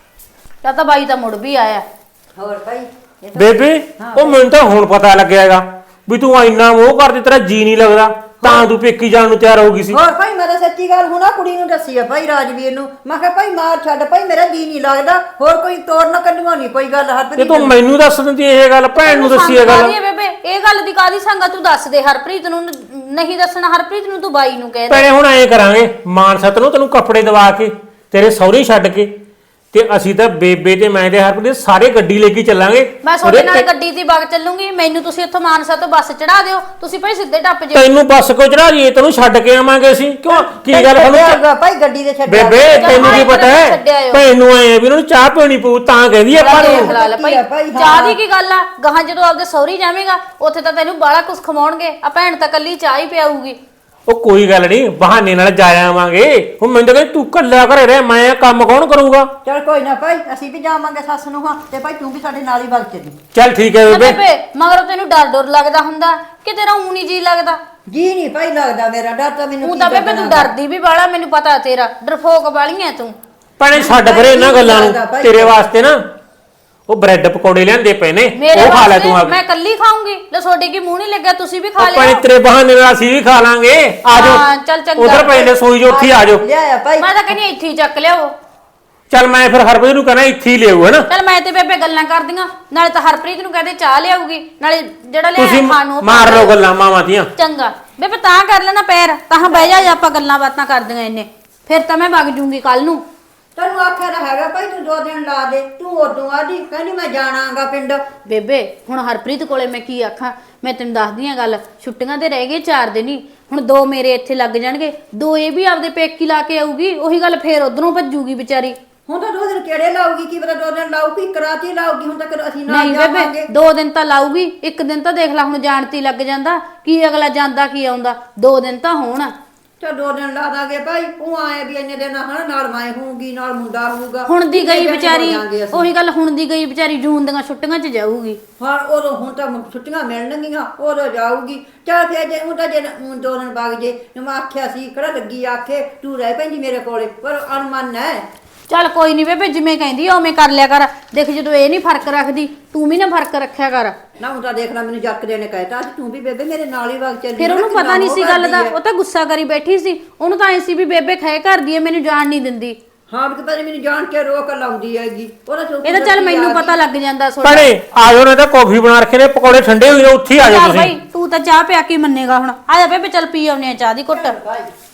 Speaker 4: ਤਾਂ ਤਾਂ ਬਾਈ ਤਾਂ ਮੁੜ ਵੀ ਆਇਆ
Speaker 1: ਹੋਰ ਭਾਈ ਇਹ ਤਾਂ-
Speaker 3: ਬੇਬੇ ਉਹ ਮੈਨੂੰ ਤਾਂ ਹੁਣ ਪਤਾ ਲੱਗਿਆਗਾ ਵੀ ਤੂੰ ਇੰਨਾ ਮੋਹ ਕਰਦੀ ਤੇਰਾ ਜੀ ਨਹੀਂ ਲੱਗਦਾ ਤਾਂ ਤੂੰ ਪੇਕੀ ਜਾਣ ਨੂੰ ਤਿਆਰ ਹੋ ਗਈ ਸੀ
Speaker 1: ਹੋਰ ਭਾਈ ਮੈਂ ਤਾਂ ਸੱਚੀ ਗੱਲ ਹੁਣਾ ਕੁੜੀ ਨੂੰ ਦੱਸੀ ਆ ਭਾਈ ਰਾਜਵੀਰ ਨੂੰ ਮੈਂ ਕਿਹਾ ਭਾਈ ਮਾਰ ਛੱਡ ਭਾਈ ਮੇਰਾ ਜੀ ਨਹੀਂ ਲੱਗਦਾ ਹੋਰ ਕੋਈ ਤੋੜ ਨਾ ਕੱਢੂਗਾ ਨਹੀਂ ਕੋਈ ਗੱਲ ਹਰ
Speaker 3: ਤੇ ਤੂੰ ਮੈਨੂੰ ਦੱਸ ਦਿੰਦੀ ਇਹ ਗੱਲ ਭੈਣ ਨੂੰ ਦੱਸੀ ਇਹ ਗੱਲ
Speaker 4: ਕਾਹਦੀ ਹੈ ਬੇਬੇ ਇਹ ਗੱਲ ਦੀ ਕਾਦੀ ਸੰਗਾ ਤੂੰ ਦੱਸ ਦੇ ਹਰਪ੍ਰੀਤ ਨੂੰ ਨ- ਨਹੀਂ ਦੱਸਣਾ ਹਰਪ੍ਰੀਤ ਨੂੰ ਤੂੰ ਬਾਈ ਨੂੰ ਕਹਿ ਦੇ
Speaker 3: ਭੈਣੇ ਹੁਣ ਐਂ ਕਰਾਂਗੇ ਮਾਨਸਤ ਨੂੰ ਤੈਨੂੰ ਕੱਪੜੇ ਦਵਾ ਕੇ ਤੇਰੇ ਸਹੁਰੇ ਛੱਡ ਕੇ ਤੇ ਅਸੀਂ ਤਾਂ ਬੇਬੇ ਤੇ ਮੈਂ ਤੇ ਹਰਪ੍ਰੀਤ ਸਾਰੇ ਗੱਡੀ ਲੈ ਕੇ ਚੱਲਾਂਗੇ
Speaker 4: ਮੈਂ ਤੁਹਾਡੇ
Speaker 3: ਉਹਦੇ
Speaker 4: ਨਾਲ
Speaker 3: ਤੇ-
Speaker 4: ਗੱਡੀ ਦੀ ਬਾਗ ਚੱਲੂੰਗੀ ਮੈਨੂੰ ਤੁਸੀਂ ਉੱਥੋਂ ਮਾਨਸਾ ਤੋਂ ਬੱਸ ਚੜਾ ਦਿਓ ਤੁਸੀਂ ਭਾਈ ਸਿੱਧੇ ਟੱਪ ਜਿਓ
Speaker 3: ਤੈਨੂੰ ਬੱਸ ਕੋ ਚੜਾ ਜੀ ਤੈਨੂੰ ਛੱਡ ਕੇ ਆਵਾਂਗੇ ਅਸੀਂ ਕਿਉਂ ਕੀ ਗੱਲ
Speaker 1: ਛੱਡਿਆ
Speaker 3: ਸਾਨੂੰ
Speaker 1: ਹੋਊਗਾ ਭਾਈ ਗੱਡੀ ਦੇ ਛੱਡਿਆ
Speaker 3: ਬੇਬੇ
Speaker 4: ਚੱਲ
Speaker 3: ਤੈਨੂੰ ਕੀ
Speaker 4: ਭਾਈ
Speaker 3: ਪਤਾ
Speaker 4: ਮੈਨੂੰ
Speaker 3: ਹੈ
Speaker 4: ਛੱਡਿਆ ਆਇਓ।
Speaker 3: ਭੈਣ ਨੂੰ ਆਏ ਵੀ ਉਹਨਾਂ ਨੂੰ ਚਾਹ ਪੀਣੀ ਪਊ ਤਾਂ ਕਹਿੰਦੀ ਆਪਾਂ
Speaker 4: ਦੇਖ
Speaker 3: ਨੂੰ
Speaker 4: ਲਾ ਲੈ ਭਾਈ
Speaker 1: ਕੀ ਆ ਭਾਈ, ਹਾਂ।
Speaker 4: ਚਾਹ ਦੀ ਕੀ ਗੱਲ ਆ ਗਾਹਾਂ ਜਦੋਂ ਆਪਦੇ ਸਹੁਰੀ ਜਾਵੇਂਗਾ ਉੱਥੇ ਤਾਂ ਤੈਨੂੰ ਬਾਲਾ ਕੁਛ ਖਵਾਉਣਗੇ ਆ ਭੈਣ ਤਾਂ ਕੱਲੀ ਚਾਹ ਹੀ ਪਿਆਊਗੀ
Speaker 3: ਉਹ ਕੋਈ ਗੱਲ ਨਹੀਂ ਬਹਾਨੇ ਨਾਲ ਜਾ ਆਵਾਂਗੇ ਹੁਣ ਮੈਨੂੰ ਤਾਂ ਕਹਿੰਦੀ ਤੂੰ ਕੱਲਾ ਘਰੇ ਰਹਿ ਮੈਂ ਕੰਮ ਕੌਣ ਕਰੂੰਗਾ
Speaker 1: ਚਲ ਕੋਈ ਨਾ ਭਾਈ ਅਸੀਂ ਵੀ ਜਾਵਾਂਗੇ ਸੱਸ ਨੂੰ ਹਾਂ ਤੇ ਭਾਈ ਤੂੰ ਵੀ ਸਾਡੇ ਨਾਲ ਹੀ ਵਗ ਚੱਲੀ
Speaker 3: ਚੱਲ ਠੀਕ ਹੈ
Speaker 4: ਨਾ
Speaker 3: ਬੇਬੇ
Speaker 4: ਬੇਬੇ ਮਗਰ ਤੈਨੂੰ ਡਰ ਡਰ ਲੱਗਦਾ ਹੁੰਦਾ ਕਿ ਤੇਰਾ ਊਂ ਨੀ ਜੀ ਲੱਗਦਾ
Speaker 1: ਜੀ ਨਹੀਂ ਭਾਈ ਲੱਗਦਾ ਮੇਰਾ ਡਰ ਤਾਂ ਮੈਨੂੰ
Speaker 4: ਊਂ
Speaker 1: ਕੀ
Speaker 4: ਤਾਂ ਬੇਬੇ ਤੂੰ
Speaker 1: ਲੱਗਣਾ।
Speaker 4: ਡਰਦੀ ਵੀ ਬਾਲਾ ਮੈਨੂੰ ਪਤਾ ਤੇਰਾ ਡਰਫੋਕ ਵਾਲੀ ਐ ਤੂੰ
Speaker 3: ਭੈਣੇ ਛੱਡ ਪਰੇ ਇਹਨਾਂ ਗੱਲਾਂ ਨੂੰ ਤੇਰੇ ਵਾਸਤੇ ਨਾ ਉਹ ਬ੍ਰੈਡ ਪਕੌੜੇ ਲਿਆਂਦੇ ਪਏ ਨੇ
Speaker 4: ਮੇਰੇ
Speaker 3: ਉਹ ਖਾ ਲੈ
Speaker 4: ਵਾਸਤੇ
Speaker 3: ਤੂੰ ਆ
Speaker 4: ਮੈਂ ਕੱਲੀ ਖਾਉਂਗੀ ਲੈ ਤੁਹਾਡੇ ਕੀ ਮੂੰਹ ਨਹੀਂ ਲੱਗਿਆ ਤੁਸੀਂ ਵੀ ਖਾ
Speaker 3: ਆਪਾਂ
Speaker 4: ਲਿਓ
Speaker 3: ਤੇਰੇ ਬਹਾਨੇ ਨਾਲ ਅਸੀਂ ਵੀ ਖਾ ਲਾਂਗੇ ਆ
Speaker 4: ਹਾਂ,
Speaker 3: ਜਾਓ
Speaker 4: ਚੱਲ ਚੰਗਾ।
Speaker 3: ਉਧਰ ਪਏ ਨੇ ਸੋਈ ਜੋ ਉੱਥੇ ਹੀ ਆ ਜਾਓ
Speaker 1: ਲਿਆਇਆ ਭਾਈ
Speaker 4: ਮੈਂ ਤਾਂ ਕਹਿੰਦੀ ਇੱਥੇ ਹੀ ਚੱਕ ਲਿਆਓ
Speaker 3: ਚੱਲ ਮੈਂ ਫਿਰ ਹਰਪ੍ਰੀਤ ਨੂੰ ਕਹਿਣਾ ਇੱਥੇ ਹੀ ਲਿਆਓ ਹੈਨਾ
Speaker 4: ਚੱਲ ਮੈਂ ਤੇ ਬੇਬੇ ਗੱਲਾਂ ਕਰਦੀਆਂ ਨਾਲੇ ਤਾਂ ਹਰਪ੍ਰੀਤ ਨੂੰ ਕਹਦੇ ਚਾਹ ਲਿਆਊਗੀ ਨਾਲੇ ਜਿਹੜਾ
Speaker 3: ਤੁਸੀਂ
Speaker 4: ਲਿਆ ਖਾਣ ਨੂੰ ਉਹ
Speaker 3: ਮਾਰ
Speaker 4: ਪਾ
Speaker 3: ਲਓ
Speaker 4: ਲਿਓ।
Speaker 3: ਗੱਲਾਂ ਮਾਵਾਂ ਦੀਆਂ
Speaker 4: ਚੰਗਾ ਬੇਬੇ ਤਾਂ ਕਰ ਲੈਣਾ ਪੈਰ ਤਾਂ ਬਹਿ ਜਾ ਆਪਾਂ ਗੱਲਾਂ ਬਾਤਾਂ ਕਰਦੀਆਂ ਇੰਨੇ ਫਿਰ ਤਾਂ ਮੈਂ ਵਗ ਜੂੰਗੀ ਕੱਲ ਨੂੰ
Speaker 1: ਤੈਨੂੰ ਆਖਿਆ ਤਾਂ ਹੈਗਾ ਭਾਈ ਤੂੰ ਦੋ ਦਿਨ ਲਾ ਦੇ ਤੂੰ ਉਦੋਂ ਆਦੀ ਕਹਿੰਦੀ ਮੈਂ ਜਾਣਾਗਾ ਪਿੰਡ
Speaker 4: ਬੇਬੇ ਹੁਣ ਹਰਪ੍ਰੀਤ ਕੋਲੇ ਮੈਂ ਕੀ ਆਖਾਂ ਮੈਂ ਤੈਨੂੰ ਦੱਸਦੀ ਆ ਗੱਲ ਛੁੱਟੀਆਂ ਤੇ ਰਹਿ ਗਏ ਚਾਰ ਦਿਨ ਹੀ ਹੁਣ ਦੋ ਮੇਰੇ ਇੱਥੇ ਲੱਗ ਜਾਣਗੇ ਦੋ ਇਹ ਵੀ ਆਪਦੇ ਪੇਕੀ ਲਾ ਕੇ ਆਊਗੀ ਉਹੀ ਗੱਲ ਫੇਰ ਉਧਰੋਂ ਭੱਜੂਗੀ ਵਿਚਾਰੀ
Speaker 1: ਹੁਣ ਤਾਂ ਦੋ ਦਿਨ ਕਿਹੜੇ ਲਾਊਗੀ ਕੀ ਪਤਾ ਦੋ ਦਿਨ ਲਾਊਗੀ ਇੱਕ ਰਾਤ ਹੀ ਲਾਊਗੀ ਹੁਣ ਤੱਕ ਅਸੀਂ ਨਾਲ
Speaker 4: ਨਹੀਂ
Speaker 1: ਜਾਵਾਂਗੇ
Speaker 4: ਬੇਬੇ ਦੋ ਦਿਨ ਤਾਂ ਲਾਊਗੀ ਇੱਕ ਦਿਨ ਤਾਂ ਦੇਖ ਲੈ ਹੁਣ ਜਾਣਤੀ ਲੱਗ ਜਾਂਦਾ ਕੀ ਅਗਲਾ ਜਾਂਦਾ ਕੀ ਆਉਂਦਾ ਦੋ ਦਿਨ ਤਾਂ ਹੋਣ
Speaker 1: ਚਾ ਦੋ ਦਿਨ ਲਾ ਦਾਂਗੇ ਭਾਈ ਉਹ ਆਏ ਵੀ ਇੰਨੇ ਦਿਨ ਹਨਾ ਨਾਲ ਮੈਂ ਹੋਊਗੀ ਨਾਲ ਮੁੰਡਾ ਹੋਊਗਾ
Speaker 4: ਹੁਣ ਦੀ ਗਈ
Speaker 1: ਕਿੰਨੇ ਦਿਨ
Speaker 4: ਵਿਚਾਰੀ
Speaker 1: ਹੋ ਜਾਣਗੇ ਅਸੀਂ।
Speaker 4: ਉਹੀ ਗੱਲ ਹੁਣ ਦੀ ਗਈ ਵਿਚਾਰੀ ਜੂਨ ਦੀਆਂ ਛੁੱਟੀਆਂ 'ਚ ਜਾਊਗੀ
Speaker 1: ਹਾਂ ਉਦੋਂ ਹੁਣ ਤਾਂ ਛੁੱਟੀਆਂ ਮਿਲਣਗੀਆਂ ਉਦੋਂ ਜਾਊਗੀ ਚਲ ਫੇਰ ਜੇ ਉਹ ਤਾਂ ਜੇ ਊਂ ਦੋ ਦਿਨ ਬਾਗ ਜੇ ਨੂੰ ਮੈਂ ਆਖਿਆ ਸੀ ਕਿਹੜਾ ਲੱਗੀ ਆਖੇ ਤੂੰ ਰਹਿ ਪੈਂਦੀ ਮੇਰੇ ਕੋਲੇ ਪਰ ਅਨਮਨ ਹੈ
Speaker 4: ਚੱਲ ਕੋਈ ਨਹੀਂ ਬੇਬੇ ਜਿਵੇਂ ਕਹਿੰਦੀ ਆ ਉਵੇਂ ਕਰ ਲਿਆ ਕਰ ਦੇਖ ਜਦੋਂ ਇਹ ਨਹੀਂ ਫਰਕ ਰੱਖਦੀ ਤੂੰ ਵੀ ਨਾ ਫਰਕ ਰੱਖਿਆ ਕਰ
Speaker 1: ਨਾ ਹੁਣ ਤਾਂ ਦੇਖ ਲੈ ਮੈਨੂੰ ਜੱਕ ਦੇ ਨੇ ਕਹਿਤਾ ਸੀ ਤੂੰ ਵੀ ਬੇਬੇ ਮੇਰੇ ਨਾਲ ਹੀ ਵਗ ਚੱਲੀ
Speaker 4: ਫਿਰ ਉਹਨੂੰ
Speaker 1: ਕਿੰਨਾ
Speaker 4: ਪਤਾ ਨਹੀਂ ਸੀ
Speaker 1: ਮੋਹ
Speaker 4: ਗੱਲ ਦਾ
Speaker 1: ਕਰਦੀ ਹੈ।
Speaker 4: ਉਹ ਤਾਂ ਗੁੱਸਾ ਕਰੀ ਬੈਠੀ ਸੀ ਉਹਨੂੰ ਤਾਂ ਐ ਸੀ ਵੀ ਬੇਬੇ ਖੈ ਕਰਦੀ ਐ ਮੈਨੂੰ ਜਾਣ ਨਹੀਂ ਦਿੰਦੀ
Speaker 1: ਹਾਂ ਵੀ ਪਤਾ ਨੀ ਮੈਨੂੰ ਜਾਣ ਕੇ ਰੋਕ ਲਾਉਂਦੀ ਹੈਗੀ ਉਹਦਾ ਚੌਕੀ
Speaker 4: ਇਹ ਤਾਂ ਚੱਲ
Speaker 1: ਦਰਦੀ
Speaker 4: ਮੈਨੂੰ
Speaker 1: ਆ
Speaker 4: ਪਤਾ
Speaker 1: ਗਈ।
Speaker 4: ਲੱਗ ਜਾਂਦਾ ਸੋਡਾ
Speaker 3: ਭੈਣੇ ਆ ਜਾਓ ਨਾ ਤਾਂ ਕੌਫੀ ਬਣਾ ਰੱਖੇ ਨੇ ਪਕੌੜੇ ਠੰਡੇ ਹੋਏ ਨੇ ਉੱਥੇ ਹੀ ਆ ਜਾਓ
Speaker 4: ਚੱਲ
Speaker 3: ਤੁਸੀਂ
Speaker 4: ਭਾਈ ਤੂੰ ਤਾਂ ਚਾਹ ਪਿਆ ਕੇ ਮੰਨੇਗਾ ਹੁਣ ਆ ਜਾ ਬੇਬੇ ਚੱਲ ਪੀ ਆਉਨੇ ਆ ਚਾਹ ਦੀ ਘੁੱਟ
Speaker 1: ਭਾਈ